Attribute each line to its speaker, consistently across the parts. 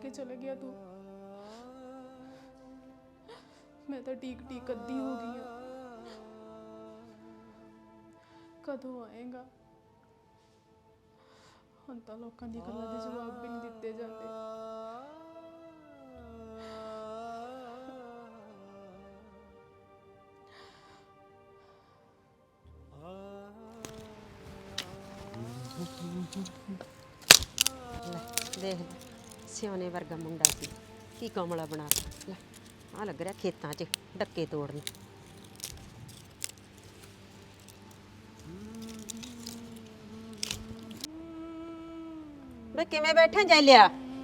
Speaker 1: के चले गया तू। मैं तो टीक टीक अद्धी हो गई हाँ। कदों आएगा? हुण तां लोकां दी गल्लां दे जवाब भी नहीं दिते जाते।
Speaker 2: देख सियाने वर्गा मुंडा सी की कमला बना लै आ लग रहा खेतां 'च डक्के तोड़न। वे किवें बैठे जा लिया?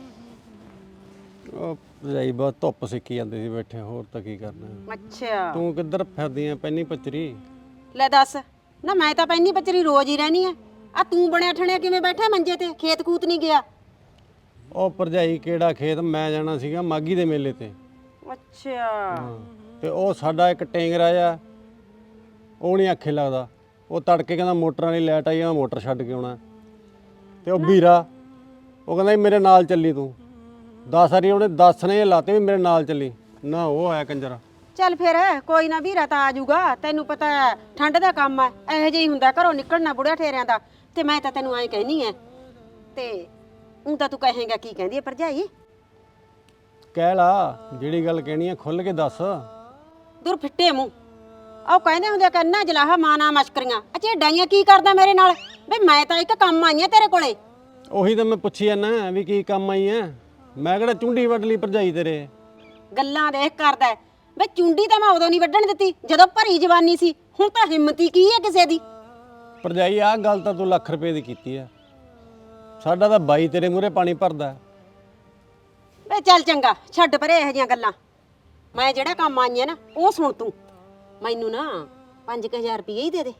Speaker 3: ਭਰਜਾਈ ਬਸ ਧੁੱਪ ਸਿੱਕੀ ਜਾਂਦੀ ਸੀ ਬੈਠੇ, ਹੋਰ ਤਾਂ ਕੀ ਕਰਨਾ।
Speaker 2: अच्छा
Speaker 3: ਤੂੰ ਕਿੱਧਰ ਫਿਰਦੀ ਆਂ ਪੈਨੀ ਪਚਰੀ?
Speaker 2: ले दस ना, मैं तो पैनी पचरी रोज ही रहनी है। आ तू बनया ठणिया किवें बैठा मंजे ते? खेत कूत नहीं गया?
Speaker 3: ਉਹ ਭਰਜਾਈ ਕਿਹੜਾ ਖੇਤ, ਮੈਂ ਜਾਣਾ ਸੀਗਾ ਮਾਗੀ ਦੇ ਮੇਲੇ ਤੇ।
Speaker 2: अच्छा
Speaker 3: ਤੇ ਉਹ ਸਾਡਾ ਇੱਕ ਟੈਂਗਰਾ ਆ, ਉਹ ਨਹੀਂ ਆਖੇ ਲੱਗਦਾ। ਉਹ ਤੜਕੇ ਕਹਿੰਦਾ ਮੋਟਰਾਂ ਵਾਲੀ ਲਾਈਟ ਆਈ ਆ, ਮੈਂ ਮੋਟਰ ਛੱਡ ਕੇ ਆਉਣਾ। ਤੇ ਉਹ ਵੀਰਾ ਉਹ ਕਹਿੰਦਾ ਵੀ ਮੇਰੇ ਨਾਲ ਚੱਲੀ ਤੂੰ। 10 ਵਾਰੀ ਉਹਨੇ 10 ਨੇ ਲਾਤੇ ਵੀ ਮੇਰੇ ਨਾਲ ਚੱਲੀ, ਨਾ ਉਹ ਆਇਆ ਕੰਜਰਾ।
Speaker 2: ਚੱਲ ਫਿਰ ਕੋਈ ਨਾ, ਵੀਰਾ ਤਾਂ ਆ ਜਾਊਗਾ। ਤੈਨੂੰ ਪਤਾ ਹੈ ਠੰਡ ਦਾ ਕੰਮ ਹੈ, ਇਹੋ ਜਿਹਾ ਹੀ ਹੁੰਦਾ ਘਰੋਂ ਨਿਕਲਣਾ ਬੁੜਿਆ ਠੇਰਿਆਂ ਦਾ। ਤੇ ਮੈਂ ਤਾਂ ਤੈਨੂੰ ਐਂ ਕਹਿਨੀ ਐ, ਤੇ ਹੁਣ ਤਾਂ ਤੂੰ ਕਹੇਂਗਾ ਕੀ ਕਹਿੰਦੀ ਐ ਭਰਜਾਈ?
Speaker 3: ਕਹਿ ਲਾ ਜਿਹੜੀ ਗੱਲ ਕਹਿਣੀ ਆ, ਖੁੱਲ ਕੇ ਦੱਸ।
Speaker 2: ਦੁਰ ਫਿੱਟੇ ਮੂੰਹ, ਉਹ ਕਹਿੰਦੇ ਹੁੰਦੇ ਕੰਨਾ ਜਲਾਹਾ ਮਾਨਾ ਮਸ਼ਕਰੀਆਂ। ਅੱਛਾ ਡਾਈਆਂ ਕੀ ਕਰਦਾ ਮੇਰੇ ਨਾਲ? ਬਈ ਮੈਂ ਤਾਂ ਇੱਕ ਕੰਮ ਆਈ ਆ ਤੇਰੇ ਕੋਲੇ।
Speaker 3: ਉਹੀ ਤਾਂ ਮੈਂ ਪੁੱਛੀ ਜਾਂਦਾ ਵੀ ਕੀ ਕੰਮ ਆਈ ਐ। ਮੈਂ ਕਿਹੜਾ ਚੁੰਡੀ ਵੱਢ ਲਈ ਭਰਜਾਈ ਤੇਰੇ?
Speaker 2: ਗੱਲਾਂ ਦੇਖ ਕਰਦਾ ਬਈ ਚੁੰਡੀ ਤਾਂ ਮੈਂ ਉਦੋਂ ਨਹੀਂ ਵੱਢਣ ਦਿੱਤੀ ਜਦੋਂ ਭਰੀ ਜਵਾਨੀ ਸੀ। ਹੁਣ ਤਾਂ ਹਿੰਮਤ ਹੀ ਕੀ ਹੈ ਕਿਸੇ ਦੀ?
Speaker 3: ਭਰਜਾਈ ਆਹ ਗੱਲ ਤਾਂ ਤੂੰ ਲੱਖ ਰੁਪਏ ਦੀ ਕੀਤੀ ਆ, ਸਾਡਾ ਤਾਂ ਬਾਈ ਤੇਰੇ ਮੂਹਰੇ ਪਾਣੀ ਭਰਦਾ।
Speaker 2: ਵੇ ਚੱਲ ਚੰਗਾ ਛੱਡ ਪਰੇ ਇਹੋ ਜਿਹੀਆਂ ਗੱਲਾਂ। ਮੈਂ ਜਿਹੜਾ ਕੰਮ ਆਈ ਆ ਨਾ ਉਹ ਸੁਣ ਤੂੰ। ਮੈਨੂੰ ਨਾ 5000 ਰੁਪਏ ਹੀ ਦੇ ਦੇ।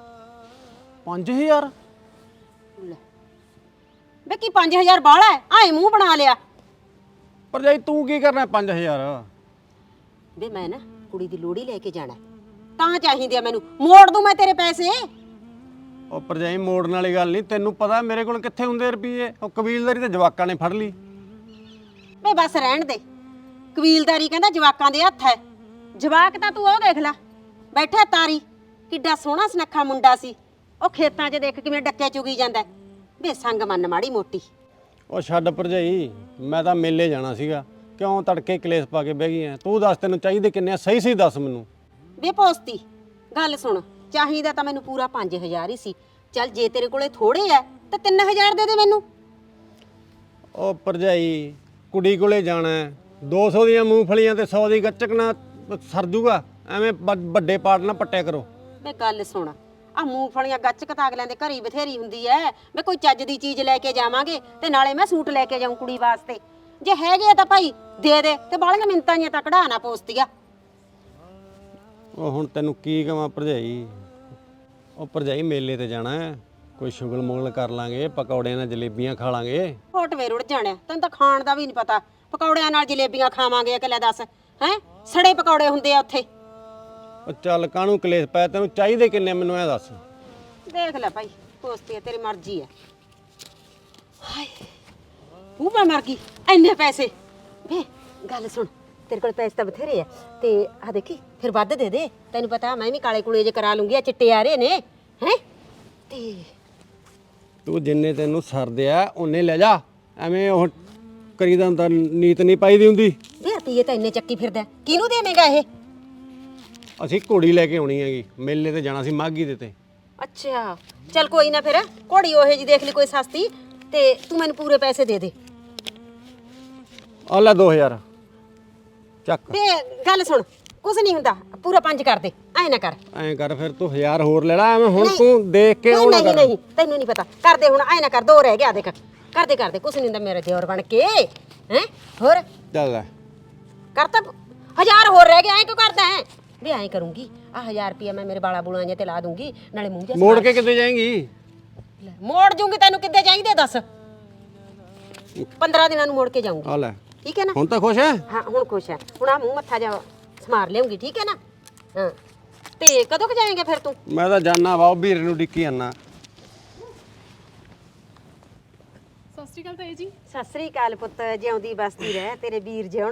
Speaker 3: 5000?
Speaker 2: ਲੈ ਵੇ ਕੀ 5000 ਬਾਹਲਾ ਹੈ? ਆਏ ਮੂੰਹ ਬਣਾ ਲਿਆ।
Speaker 3: ਭਰਜਾਈ ਤੂੰ ਕੀ ਕਰਨਾ 5000?
Speaker 2: ਵੇ ਮੈਂ ਨਾ ਕੁੜੀ ਦੀ ਲੋੜੀ ਲੈ ਕੇ ਜਾਣਾ, ਤਾਂ ਚਾਹੀਦੇ ਆ ਮੈਨੂੰ। ਮੋੜ ਦੂੰ ਮੈਂ ਤੇਰੇ ਪੈਸੇ।
Speaker 3: ਉਹ ਭਰਜਾਈ ਮੋੜਨ ਵਾਲੀ ਗੱਲ ਨਹੀਂ, ਤੈਨੂੰ ਪਤਾ ਮੇਰੇ ਕੋਲ ਕਿੱਥੇ ਹੁੰਦੇ ਰੁਪਏ। ਉਹ ਕਬੀਲਦਾਰੀ ਤੇ ਜਵਾਕਾਂ ਨੇ ਫੜ ਲਈ।
Speaker 2: ਵੇ ਬਸ ਰਹਿਣ ਦੇ, ਕਬੀਲਦਾਰੀ ਕਹਿੰਦਾ ਜਵਾਕਾਂ ਦੇ ਹੱਥ ਹੈ। ਜਵਾਕ ਤਾਂ ਤੂੰ ਉਹ ਦੇਖ ਲੈ ਬੈਠਾ ਤਾਰੀ, ਕਿੱਡਾ ਸੋਹਣਾ ਸੁਨੱਖਾ ਮੁੰਡਾ ਸੀ। ਉਹ ਖੇਤਾਂ 'ਚ ਦੇਖ ਕਿਵੇਂ ਡੱਕੇ ਚੁਗੀ ਜਾਂਦਾ। ਵੇ ਸੰਗ ਮੰਨ ਮਾੜੀ ਮੋਟੀ।
Speaker 3: ਉਹ ਛੱਡ ਭਰਜਾਈ, ਮੈਂ ਤਾਂ ਮੇਲੇ ਜਾਣਾ ਸੀਗਾ, ਕਿਉਂ ਤੜਕੇ ਕਲੇਸ਼ ਪਾ ਕੇ ਬਹਿ ਗਈ ਐ? ਤੂੰ ਦੱਸ ਤੈਨੂੰ ਚਾਹੀਦੇ ਕਿੰਨੇ ਆ? ਸਹੀ ਸਹੀ ਦੱਸ ਮੈਨੂੰ।
Speaker 2: ਵੇ ਪੋਸਤੀ ਗੱਲ ਸੁਣ, ਚਾਹੀਦਾ ਤਾਂ ਮੈਨੂੰ ਪੂਰਾ 5000 ਹੀ ਸੀ। ਚੱਲ ਜੇ ਤੇਰੇ ਕੋਲੇ ਥੋੜੇ ਆ ਤਾਂ 3000 ਦੇ ਦੇ ਮੈਨੂੰ।
Speaker 3: ਉਹ ਭਰਜਾਈ ਕੁੜੀ ਕੋਲੇ ਜਾਣਾ, 200 ਦੀਆਂ ਮੂੰਗਫਲੀਆਂ ਤੇ 100 ਦੀ ਗੱਚਕ ਨਾ ਸਰ ਜੂਗਾ? ਐਵੇਂ ਵੱਡੇ ਪਾੜ ਨਾ ਪੱਟਿਆ ਕਰੋ।
Speaker 2: ਵੇ ਗੱਲ ਸੁਣ, ਆ ਮੂੰਗਫਲੀਆਂ ਗੱਚਕ ਤਾਂ ਅਗਲਿਆਂ ਦੇ ਘਰ ਹੀ ਬਥੇਰੀ ਹੁੰਦੀ ਐ। ਵੇ ਕੋਈ ਚੱਜ ਦੀ ਚੀਜ਼ ਲੈ ਕੇ ਜਾਵਾਂਗੇ ਤੇ ਨਾਲੇ ਮੈਂ ਸੂਟ ਲੈ ਕੇ ਜਾਊਂ ਕੁੜੀ ਵਾਸਤੇ। ਜੇ ਹੈਗੇ ਤਾਂ ਭਾਈ ਦੇ ਦੇ, ਤੇ ਬਾਲੀਆਂ ਮਿੰਤਾਂ ਜੀਆਂ ਤਾਂ ਕਢਾ ਨਾ ਪੋਸਤੀਆ।
Speaker 3: ਉਹ ਹੁਣ ਤੈਨੂੰ ਕੀ ਕਵਾਂ ਭਰਜਾਈ? ਉਹ ਭਰਜਾਈ ਮੇਲੇ ਤੇ ਜਾਣਾ ਹੈ, ਕੋਈ ਸ਼ੁਗਲ ਮੁਗਲ ਕਰ ਲਾਂਗੇ, ਪਕੌੜਿਆਂ ਨਾਲ ਜਲੇਬੀਆਂ ਖਾ ਲਾਂਗੇ।
Speaker 2: ਹੋਟਵੇ ਰੁੜ ਜਾਣਿਆ, ਤੈਨੂੰ ਤਾਂ ਖਾਣ ਦਾ ਵੀ ਨਹੀਂ ਪਤਾ। ਪਕੌੜਿਆਂ ਨਾਲ ਜਲੇਬੀਆਂ ਖਾਵਾਂਗੇ ਇਕੱਲਾ ਦੱਸ ਹੈ? ਸੜੇ ਪਕੌੜੇ ਹੁੰਦੇ ਆ ਉੱਥੇ।
Speaker 3: ਉਹ ਚੱਲ ਕਾਹਨੂੰ ਕਲੇਸ਼ ਪਾਇਆ? ਤੈਨੂੰ ਚਾਹੀਦੇ ਕਿੰਨੇ ਮੈਨੂੰ ਇਹ ਦੱਸ।
Speaker 2: ਦੇਖ ਲੈ ਭਾਈ ਪੋਸਤੀ ਤੇਰੀ ਮਰਜ਼ੀ ਹੈ। ਹਾਏ ਉਹ ਮੈਂ ਮਰ ਗਈ, ਇੰਨੇ ਪੈਸੇ। ਵੇ ਗੱਲ ਸੁਣ, ਤੇਰੇ ਕੋਲ ਪੈਸੇ ਤਾਂ ਬਥੇਰੇ ਆ, ਤੇ ਆ ਦੇਖੀ ਫਿਰ ਵੱਧ ਦੇ ਦੇ। ਤੈਨੂੰ ਪਤਾ ਮੈਂ ਵੀ ਕਾਲੇ ਕੁਲੇ ਜੇ ਕਰਾ ਲੂੰਗੀ, ਆ ਚਿੱਟੇ ਆ ਰਹੇ ਨੇ ਹੈ। ਤੇ
Speaker 3: ਤੂੰ ਜਿੰਨੇ ਤੈਨੂੰ ਸਰਦੇ ਆ ਉਹਨੇ ਲੈ ਜਾ, ਐਵੇਂ ਉਹ ਕਰੀਦਾ ਹੁੰਦਾ, ਨੀਤ ਨਹੀਂ ਪਾਈਦੀ ਹੁੰਦੀ।
Speaker 2: ਵੇ ਰੁਪਈਏ ਤਾਂ ਇੰਨੇ ਚੱਕੀ ਫਿਰਦਾ, ਕਿਹਨੂੰ ਦੇਵੇਂਗਾ ਇਹ?
Speaker 3: ਅਸੀਂ ਘੋੜੀ ਲੈ ਕੇ ਆਉਣੀ ਹੈਗੀ, ਮੇਲੇ ਤੇ ਜਾਣਾ ਸੀ ਮਾਘੀ ਦੇ ਤੇ।
Speaker 2: ਅੱਛਾ ਚੱਲ ਕੋਈ ਨਾ, ਫਿਰ ਘੋੜੀ ਉਹੇ ਜੀ ਦੇਖ ਲਈ ਕੋਈ ਸਸਤੀ, ਤੇ ਤੂੰ ਮੈਨੂੰ ਪੂਰੇ ਪੈਸੇ ਦੇ ਦੇ।
Speaker 3: ਆ ਲੈ 2000 ਚੱਕ।
Speaker 2: ਵੇ ਗੱਲ ਸੁਣ, ਕੁਛ ਨਹੀਂ ਹੁੰਦਾ, ਪੂਰਾ 5 ਕਰ ਦੇ। ਐ ਨਾ ਕਰ,
Speaker 3: ਐਂ ਕਰ ਫਿਰ ਤੂੰ 1000 ਹੋਰ ਲੈ ਲੈ। ਐਵੇਂ ਹੁਣ ਤੂੰ ਦੇਖ ਕੇ ਆਉਣਾ
Speaker 2: ਨਹੀਂ
Speaker 3: ਕਰ।
Speaker 2: ਨਹੀਂ ਤੈਨੂੰ ਨਹੀਂ ਪਤਾ, ਕਰਦੇ ਹੁਣ। ਐ ਨਾ ਕਰ, 2 ਰਹਿ ਗਿਆ ਦੇਖ। ਕਰਦੇ ਕੁਛ ਨਹੀਂ ਹੁੰਦਾ ਮੇਰੇ ਦਿਓਰ ਬਣ ਕੇ ਹੈ। ਹੋਰ
Speaker 3: ਚੱਲ ਲੈ
Speaker 2: ਕਰਤਾ 1000 ਹੋਰ ਰਹਿ ਗਿਆ। ਐ ਕਿਉਂ ਕਰਦਾ ਹੈ? ਵੇ ਐਂ ਕਰੂੰਗੀ, ਆ 1000 ਰੁਪਇਆ ਮੈਂ ਮੇਰੇ ਬਾਲਾ ਬੁਲਾਂ ਜੇ ਤੇ ਲਾ ਦੂੰਗੀ, ਨਾਲੇ ਮੂੰਹ ਜਿਹਾ
Speaker 3: ਮੋੜ ਕੇ ਕਿੱਥੇ ਜਾਏਂਗੀ?
Speaker 2: ਮੋੜ ਜੂੰਗੀ। ਤੈਨੂੰ ਕਿੱਦੇ ਚਾਹੀਦੇ ਦੱਸ? 15 ਦਿਨਾਂ ਨੂੰ ਮੋੜ ਕੇ ਜਾਊਂਗੀ,
Speaker 3: ਆ ਲੈ।
Speaker 2: ਠੀਕ ਹੈ ਨਾ?
Speaker 3: ਹੁਣ ਤਾਂ ਖੁਸ਼ ਹੈ?
Speaker 2: ਹਾਂ ਹੁਣ ਖੁਸ਼ ਹੈ। ਹੁਣ ਆ ਮੂੰਹ ਮੱਥਾ ਜਾ ਸਮਾਰ ਲਿਆਉਂਗੀ, ਠੀਕ ਹੈ ਨਾ? ਹਾਂ ਤੇ ਕਦੋਂ ਕ ਜਾਏਂਗੇ ਫਿਰ ਤੂੰ?
Speaker 3: ਮੈਂ ਤਾਂ ਜਾਣਾ ਵਾ, ਉਹ ਵੀਰੇ ਨੂੰ ਡਿੱਕੀ ਜਾਣਾ।
Speaker 1: ਸਤਿ ਸ਼੍ਰੀ ਅਕਾਲ ਤਾਈ ਜੀ।
Speaker 2: ਸਤਿ ਸ੍ਰੀ ਅਕਾਲ ਪੁੱਤ, ਜਿਉਂਦੀ ਬਸਦੀ ਰਹਿ ਤੇਰੇ ਵੀਰ ਜਿਉਣ।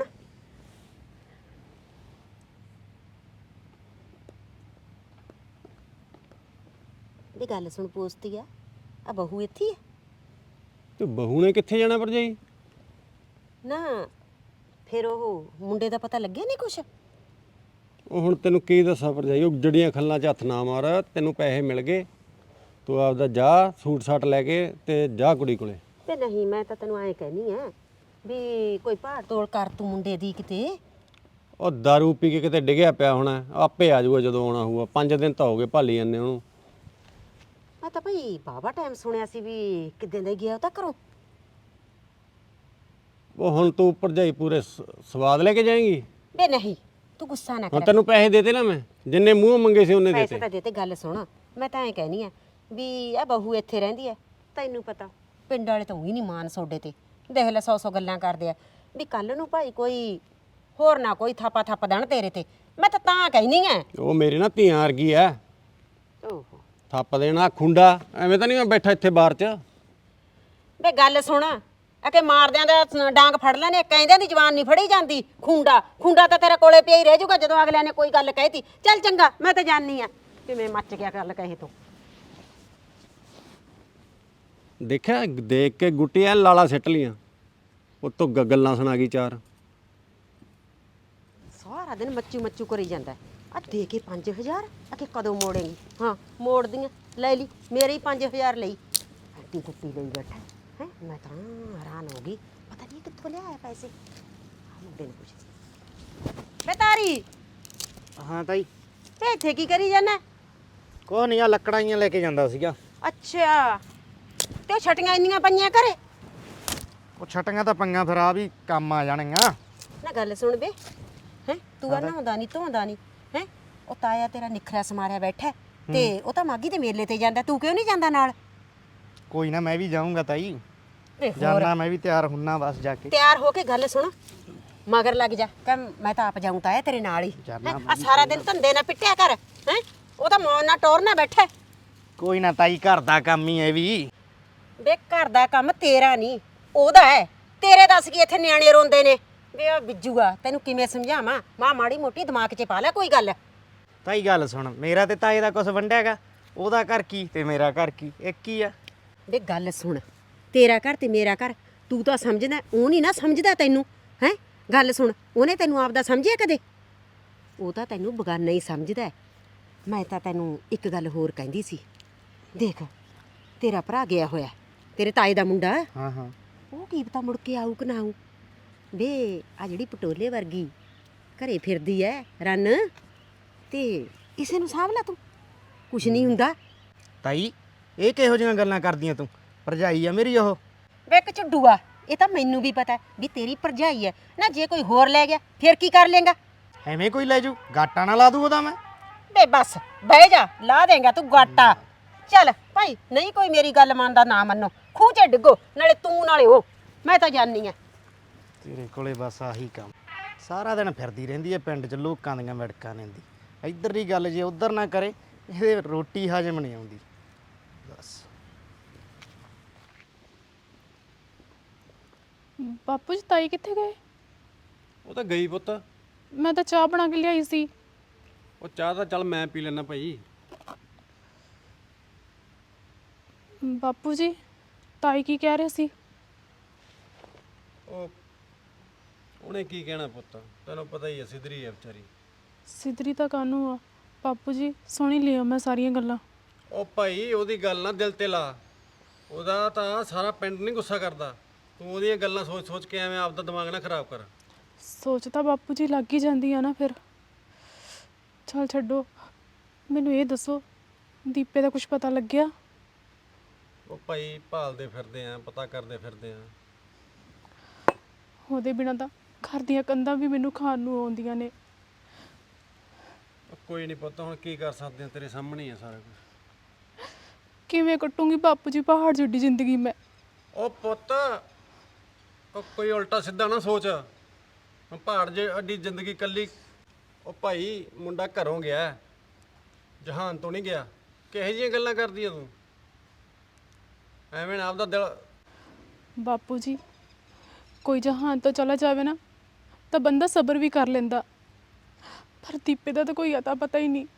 Speaker 2: ਇਹ ਗੱਲ ਸੁਣ, ਪੋਸਤੀ ਆ ਬਹੂ ਇੱਥੇ ਹੀ ਆ?
Speaker 3: ਤੇ ਬਹੂ ਨੇ ਕਿੱਥੇ ਜਾਣਾ ਭਰਜਾਈ?
Speaker 2: ਨਾ ਫਿਰ ਉਹ ਮੁੰਡੇ ਦਾ ਪਤਾ ਲੱਗਿਆ ਨਹੀਂ ਕੁਛ?
Speaker 3: ਉਹ ਹੁਣ ਤੈਨੂੰ ਕੀ ਦੱਸਾਂ ਭਰਜਾਈ, ਉਹ ਜੜੀਆਂ ਖੱਲਾਂ 'ਚ ਹੱਥ ਨਾ ਮਾਰ। ਤੈਨੂੰ ਪੈਸੇ ਮਿਲ ਗਏ, ਤੂੰ ਆਪਦਾ ਜਾ ਸੂਟ ਸਾਟ ਲੈ ਕੇ ਤੇ ਜਾ ਕੁੜੀ ਕੋਲੇ।
Speaker 2: ਤੇ ਨਹੀਂ, ਮੈਂ ਤਾਂ ਤੈਨੂੰ ਐਂ ਕਹਿਨੀ ਆ ਵੀ ਕੋਈ ਭਾੜ ਤੋੜ ਕਰ ਤੂੰ ਮੁੰਡੇ ਦੀ ਕਿਤੇ।
Speaker 3: ਉਹ ਦਾਰੂ ਪੀ ਕੇ ਕਿਤੇ ਡਿੱਗਿਆ ਪਿਆ ਹੋਣਾ, ਆਪੇ ਆ ਜਾਊਗਾ ਜਦੋਂ ਆਉਣਾ ਹੋਊਗਾ। 5 ਦਿਨ ਤਾਂ ਹੋ ਗਏ ਭਾਲੀ ਜਾਂਦੇ ਉਹਨੂੰ।
Speaker 2: ਮੈਂ ਤਾਂ ਭਾਈ ਬਾਬਾ ਟਾਈਮ ਸੁਣਿਆ ਸੀ ਵੀ ਕਿੱਦਾਂ ਦਾ ਗਿਆ ਉਹ ਤਾਂ ਘਰੋਂ।
Speaker 3: ਉਹ ਹੁਣ ਤੂੰ ਭਰਜਾਈ ਪੂਰੇ ਸਵਾਦ ਲੈ ਕੇ ਜਾਏਂਗੀ?
Speaker 2: ਬੇ ਨਹੀਂ, ਤੂੰ ਗੁੱਸਾ ਨਾ
Speaker 3: ਹੁਣ
Speaker 2: ਕਰ।
Speaker 3: ਤੈਨੂੰ ਪੈਸੇ ਦੇਤੇ ਨਾ ਮੈਂ, ਜਿੰਨੇ ਮੂੰਹ ਮੰਗੇ ਸੀ ਉਹਨੇ
Speaker 2: ਪੈਸੇ
Speaker 3: ਦੇਤੇ।
Speaker 2: ਤਾਂ ਦੇ ਤੇ, ਗੱਲ ਸੁਣ, ਮੈਂ ਤਾਂ ਐਂ ਕਹਿਨੀ ਆ ਵੀ ਆ ਬਹੂ ਇੱਥੇ ਰਹਿੰਦੀ ਐ, ਤੈਨੂੰ ਪਤਾ ਪਿੰਡ ਵਾਲੇ ਤਾਂ ਉਹੀ ਨਹੀਂ ਮਾਨ ਸੋਡੇ ਤੇ। ਦੇਖ ਲੈ 100 ਗੱਲਾਂ ਕਰਦੇ ਆ ਵੀ ਕੱਲ ਨੂੰ ਭਾਈ ਕੋਈ ਹੋਰ ਨਾ ਕੋਈ ਥਾਪਾ ਥੱਪ ਦੇਣ ਤੇਰੇ ਤੇ। ਮੈਂ ਤਾਂ ਕਹਿਨੀ ਆ।
Speaker 3: ਉਹ ਮੇਰੇ ਨਾਲ ਧੀਆਂ ਵਰਗੀ ਆ,
Speaker 2: ਓਹੋ
Speaker 3: ਥੱਪ ਦੇਣਾ ਖੁੰਡਾ। ਐਵੇਂ ਤਾਂ ਨਹੀਂ ਮੈਂ ਬੈਠਾ ਇੱਥੇ ਬਾਹਰ 'ਚ।
Speaker 2: ਬੇ ਗੱਲ ਸੁਣ, ਆ ਕਿ ਮਾਰਦਿਆਂ ਦਾ ਡਾਂਗ ਫੜ ਲੈਣੇ, ਕਹਿੰਦਿਆਂ ਦੀ ਜ਼ਬਾਨ ਨਹੀਂ ਫੜੀ ਜਾਂਦੀ। ਖੁੰਡਾ ਤਾਂ ਤੇਰੇ ਕੋਲੇ ਪਿਆ ਹੀ ਰਹਿ ਜਾਊਗਾ ਜਦੋਂ ਅਗਲਿਆਂ ਨੇ ਕੋਈ ਗੱਲ ਕਹਿਤੀ। ਚੱਲ ਚੰਗਾ, ਮੈਂ ਤਾਂ ਜਾਣੀ ਆ। ਕਿਵੇਂ ਮੱਚ ਗਿਆ ਗੱਲ ਕਹੇ ਤੂੰ।
Speaker 3: ਦੇਖਿਆ, ਦੇਖ ਕੇ ਗੁੱਟੀਆਂ ਲਾਲਾ ਸਿੱਟ ਲੀਆਂ, ਉਤੋਂ ਗੱਲਾਂ ਸੁਣਾ ਗਈ 4।
Speaker 2: ਸਾਰਾ ਦਿਨ ਮੱਚੂ ਕਰੀ ਜਾਂਦਾ। ਆ ਦੇ ਕੇ 5000 ਆ ਕਿ ਕਦੋਂ ਮੋੜੇਂਗੀ? ਹਾਂ ਮੋੜਦੀਆਂ, ਲੈ ਲਈ ਮੇਰੇ ਹੀ 5000 ਲਈ। ਐਡੀ ਕੁੱਤੀ ਲਈ ਬੈਠਾ ਹੈ। ਮੈਂ ਤਾਂ ਹੈਰਾਨ ਹੋ ਗਈ, ਪਤਾ ਨਹੀਂ ਕਿੱਥੋਂ ਲਿਆਇਆ ਪੈਸੇ। ਮੁੰਡੇ ਨੇ ਪੁੱਛਿਆ ਬੇਤਾਰੀ।
Speaker 4: ਹਾਂ ਤਾਈ,
Speaker 2: ਤੇ ਇੱਥੇ ਕੀ ਕਰੀ ਜਾਣਾ?
Speaker 4: ਕੋਈ ਨਹੀਂ, ਆ ਲੱਕੜਾਂ ਹੀ ਲੈ ਕੇ ਜਾਂਦਾ ਸੀਗਾ।
Speaker 2: ਅੱਛਾ, ਤੇ ਉਹ ਛਟੀਆਂ ਇੰਨੀਆਂ ਪਈਆਂ ਘਰੇ?
Speaker 4: ਉਹ ਛਟੀਆਂ ਤਾਂ ਪੰਗਾਂ, ਫਿਰ ਆ ਵੀ ਕੰਮ ਆ ਜਾਣਗੀਆਂ।
Speaker 2: ਨਾ ਗੱਲ ਸੁਣ ਬੇ, ਹੈ ਤੂੰ ਆ ਨਹਾਉਂਦਾ ਨਹੀਂ ਧੋਂਦਾ ਨਹੀਂ ਹੈ? ਉਹ ਤਾਇਆ ਤੇਰਾ ਨਿਖਰਿਆ ਸਮਾਰਿਆ ਬੈਠਾ ਤੇ ਉਹ ਤਾਂ ਮਾਗੀ ਦੇ ਮੇਲੇ ਤੇ ਜਾਂਦਾ, ਤੂੰ ਕਿਉਂ ਨਹੀਂ ਜਾਂਦਾ ਨਾਲ?
Speaker 4: ਕੋਈ ਨਾ, ਮੈਂ ਵੀ ਜਾਊਂਗਾ ਤਾਈ,
Speaker 2: ਤੇ ਹੋਰ
Speaker 4: ਜਾਣਾ ਮੈਂ ਵੀ ਤਿਆਰ ਹੁੰਨਾ ਬਸ ਜਾ ਕੇ।
Speaker 2: ਤਿਆਰ ਹੋ ਕੇ ਗੱਲ ਸੁਣ, ਮਗਰ ਲੱਗ ਜਾ ਕਿ ਮੈਂ ਤਾਂ ਆਪ ਜਾਊਂ ਤਾਇਆ ਤੇਰੇ ਨਾਲ ਹੀ।
Speaker 4: ਜਾਨਾ
Speaker 2: ਆ ਸਾਰਾ ਦਿਨ ਧੰਦੇ ਨਾ ਪਿੱਟਿਆ ਕਰ ਹੈ, ਉਹ ਤਾਂ ਮੌਨ ਨਾਲ ਟੋਰ ਨਾ ਬੈਠਾ।
Speaker 4: ਕੋਈ ਨਾ ਤਾਈ, ਘਰ ਦਾ ਕੰਮ ਹੀ ਹੈ ਵੀ।
Speaker 2: ਬੇ ਘਰ ਦਾ ਕੰਮ ਤੇਰਾ ਨਹੀਂ ਉਹਦਾ ਹੈ। ਤੇਰੇ ਦੱਸ ਕੀ ਇੱਥੇ ਨਿਆਣੇ ਰੋਂਦੇ ਨੇ ਵੇ ਉਹ ਬਿੱਜੂਗਾ। ਤੈਨੂੰ ਕਿਵੇਂ ਸਮਝਾਵਾਂ? ਮਾੜੀ ਮੋਟੀ ਦਿਮਾਗ 'ਚ ਪਾ ਲੈ ਕੋਈ ਗੱਲ।
Speaker 4: ਤਾਈ ਗੱਲ ਸੁਣ, ਮੇਰਾ ਤੇ ਤਾਏ ਦਾ ਕੁਝ ਵੰਡਿਆਗਾ, ਉਹਦਾ ਘਰ ਕੀ ਤੇ ਮੇਰਾ ਘਰ ਕੀ ਇੱਕ ਹੀ ਆ।
Speaker 2: ਵੇ ਗੱਲ ਸੁਣ, ਤੇਰਾ ਘਰ ਤੇ ਮੇਰਾ ਘਰ ਤੂੰ ਤਾਂ ਸਮਝਦਾ, ਉਹ ਨਹੀਂ ਨਾ ਸਮਝਦਾ ਤੈਨੂੰ ਹੈ। ਗੱਲ ਸੁਣ, ਉਹਨੇ ਤੈਨੂੰ ਆਪਦਾ ਸਮਝਿਆ ਕਦੇ? ਉਹ ਤਾਂ ਤੈਨੂੰ ਬਗਾਨਾ ਹੀ ਸਮਝਦਾ। ਮੈਂ ਤਾਂ ਤੈਨੂੰ ਇੱਕ ਗੱਲ ਹੋਰ ਕਹਿੰਦੀ ਸੀ। ਦੇਖ, ਤੇਰਾ ਭਰਾ ਗਿਆ ਹੋਇਆ, ਤੇਰੇ ਤਾਏ ਦਾ ਮੁੰਡਾ।
Speaker 4: ਹਾਂ ਹਾਂ,
Speaker 2: ਉਹ ਕੀ ਪਤਾ ਮੁੜ ਕੇ ਆਊ ਕਿ ਨਾ ਆਊ। ਵੇ ਆ ਜਿਹੜੀ ਪਟੋਲੇ ਵਰਗੀ ਘਰੇ ਫਿਰਦੀ ਐ ਰੰਨ, ਤੇ ਇਸੇ ਨੂੰ ਸਾਂਭ ਲਾ ਤੂੰ, ਕੁਛ ਨਹੀਂ ਹੁੰਦਾ।
Speaker 4: ਤਾਈ ਇਹ ਕਿਹੋ ਜਿਹੀਆਂ ਗੱਲਾਂ ਕਰਦੀਆਂ ਤੂੰ? ਭਰਜਾਈ ਆ ਮੇਰੀ ਉਹ।
Speaker 2: ਵੇ ਇੱਕ ਝੁੱਡੂਆ, ਇਹ ਤਾਂ ਮੈਨੂੰ ਵੀ ਪਤਾ ਵੀ ਤੇਰੀ ਭਰਜਾਈ ਐ ਨਾ। ਜੇ ਕੋਈ ਹੋਰ ਲੈ ਗਿਆ ਫਿਰ ਕੀ ਕਰ ਲੇਗਾ?
Speaker 4: ਐਵੇਂ ਕੋਈ ਲੈ ਜੂ, ਗਾਟਾ ਨਾ ਲਾ ਦੂ ਉਹਦਾ ਮੈਂ।
Speaker 2: ਵੇ ਬਸ ਬਹਿ ਜਾ, ਲਾ ਦੇਂਗਾ ਤੂੰ ਗਾਟਾ। ਚੱਲ ਭਾਈ, ਨਹੀਂ ਕੋਈ ਮੇਰੀ ਗੱਲ ਮੰਨਦਾ ਨਾ ਮੰਨੋ, ਖੂਹ 'ਚ ਡਿੱਗੋ, ਨਾਲੇ ਤੂੰ ਨਾਲੇ ਉਹ। ਮੈਂ ਤਾਂ ਜਾਣੀ ਆ।
Speaker 4: ਤੇਰੇ ਕੋਲੇ ਬਸ ਆਹੀ ਕੰਮ, ਸਾਰਾ ਦਿਨ ਫਿਰਦੀ ਰਹਿੰਦੀ ਹੈ ਪਿੰਡ 'ਚ ਲੋਕਾਂ ਦੀਆਂ ਵੜਕਾਂ ਲੈਂਦੀ। ਇੱਧਰ ਦੀ ਗੱਲ ਜੇ ਉੱਧਰ ਨਾ ਕਰੇ, ਇਹਦੇ ਰੋਟੀ ਹਜਮ ਨਹੀਂ ਆਉਂਦੀ ਬਸ।
Speaker 1: ਬਾਪੂ ਜੀ ਤਾਈ ਕਿੱਥੇ ਗਏ?
Speaker 3: ਉਹ ਤਾਂ ਗਈ ਪੁੱਤ।
Speaker 1: ਮੈਂ ਤਾਂ ਚਾਹ ਬਣਾ ਕੇ ਲਿਆਈ ਸੀ।
Speaker 3: ਉਹ ਚਾਹ ਤਾਂ ਚੱਲ ਮੈਂ ਪੀ ਲੈਣਾ ਭਾਈ।
Speaker 1: ਬਾਪੂ ਜੀ ਤਾਈ ਕੀ ਕਹਿ ਰਹੇ ਸੀ?
Speaker 3: ਉਹਨੇ ਕੀ ਕਹਿਣਾ ਪੁੱਤ, ਤੈਨੂੰ ਪਤਾ ਹੀ ਹੈ, ਸਿੱਧਰੀ ਹੈ ਵਿਚਾਰੀ।
Speaker 1: ਸਿੱਧਰੀ ਤਾਂ ਕਾਹਨੂੰ ਆ ਬਾਪੂ ਜੀ, ਸੁਣੀ ਲਿਓ ਮੈਂ ਸਾਰੀਆਂ ਗੱਲਾਂ।
Speaker 3: ਉਹ ਭਾਈ ਉਹਦੀ ਗੱਲ ਨਾ ਦਿਲ ਤੇ ਲਾ, ਉਹਦਾ ਤਾਂ ਸਾਰਾ ਪਿੰਡ ਨਹੀਂ ਗੁੱਸਾ ਕਰਦਾ। ਤੂੰ ਉਹਦੀਆਂ ਗੱਲਾਂ ਸੋਚ ਸੋਚ ਕੇ ਐਵੇਂ ਆਪਦਾ ਦਿਮਾਗ ਨਾ ਖਰਾਬ ਕਰ।
Speaker 1: ਸੋਚ ਤਾਂ ਬਾਪੂ ਜੀ ਲੱਗ ਹੀ ਜਾਂਦੀ ਆ ਨਾ ਫਿਰ। ਚੱਲ ਛੱਡੋ, ਮੈਨੂੰ ਇਹ ਦੱਸੋ ਦੀਪੇ ਦਾ ਕੁਝ ਪਤਾ ਲੱਗਿਆ?
Speaker 3: ਉਹ ਭਾਈ ਭਾਲਦੇ ਫਿਰਦੇ ਆ, ਪਤਾ ਕਰਦੇ ਫਿਰਦੇ ਆ।
Speaker 1: ਉਹਦੇ ਬਿਨਾਂ ਤਾਂ ਘਰ ਦੀਆਂ ਕੰਧਾਂ ਵੀ ਮੈਨੂੰ ਖਾਣ ਨੂੰ ਆਉਂਦੀਆਂ ਨੇ।
Speaker 3: ਕੋਈ ਨਹੀਂ ਪੁੱਤ, ਹੁਣ ਕੀ ਕਰ ਸਕਦੇ ਆ, ਤੇਰੇ ਸਾਹਮਣੇ ਹੀ ਆ ਸਾਰਾ ਕੁਝ।
Speaker 1: ਕਿਵੇਂ ਕੱਟੂੰਗੀ ਬਾਪੂ ਜੀ ਪਹਾੜ ਜਿੱਡੀ ਜ਼ਿੰਦਗੀ ਮੈਂ?
Speaker 3: ਉਹ ਪੁੱਤ, ਉਹ ਕੋਈ ਉਲਟਾ ਸਿੱਧਾ ਨਾ ਸੋਚ। ਹੁਣ ਪਹਾੜ ਜੇ ਅੱਡੀ ਜ਼ਿੰਦਗੀ ਕੱਲੀ। ਉਹ ਭਾਈ ਮੁੰਡਾ ਘਰੋਂ ਗਿਆ, ਜਹਾਨ ਤੋਂ ਨਹੀਂ ਗਿਆ। ਕਿਹੋ ਜਿਹੀਆਂ ਗੱਲਾਂ ਕਰਦੀ ਆ ਤੂੰ? ਐਵੇਂ ਨਾ ਆਪਦਾ ਦਿਲ।
Speaker 1: ਬਾਪੂ ਜੀ ਕੋਈ ਜਹਾਨ ਤੋਂ ਚਲਾ ਜਾਵੇ ਨਾ ਤਾਂ ਬੰਦਾ ਸਬਰ ਵੀ ਕਰ ਲੈਂਦਾ, ਪਰ ਦੀਪੇ ਦਾ ਤਾਂ ਕੋਈ ਅਤਾ ਪਤਾ ਹੀ ਨਹੀਂ।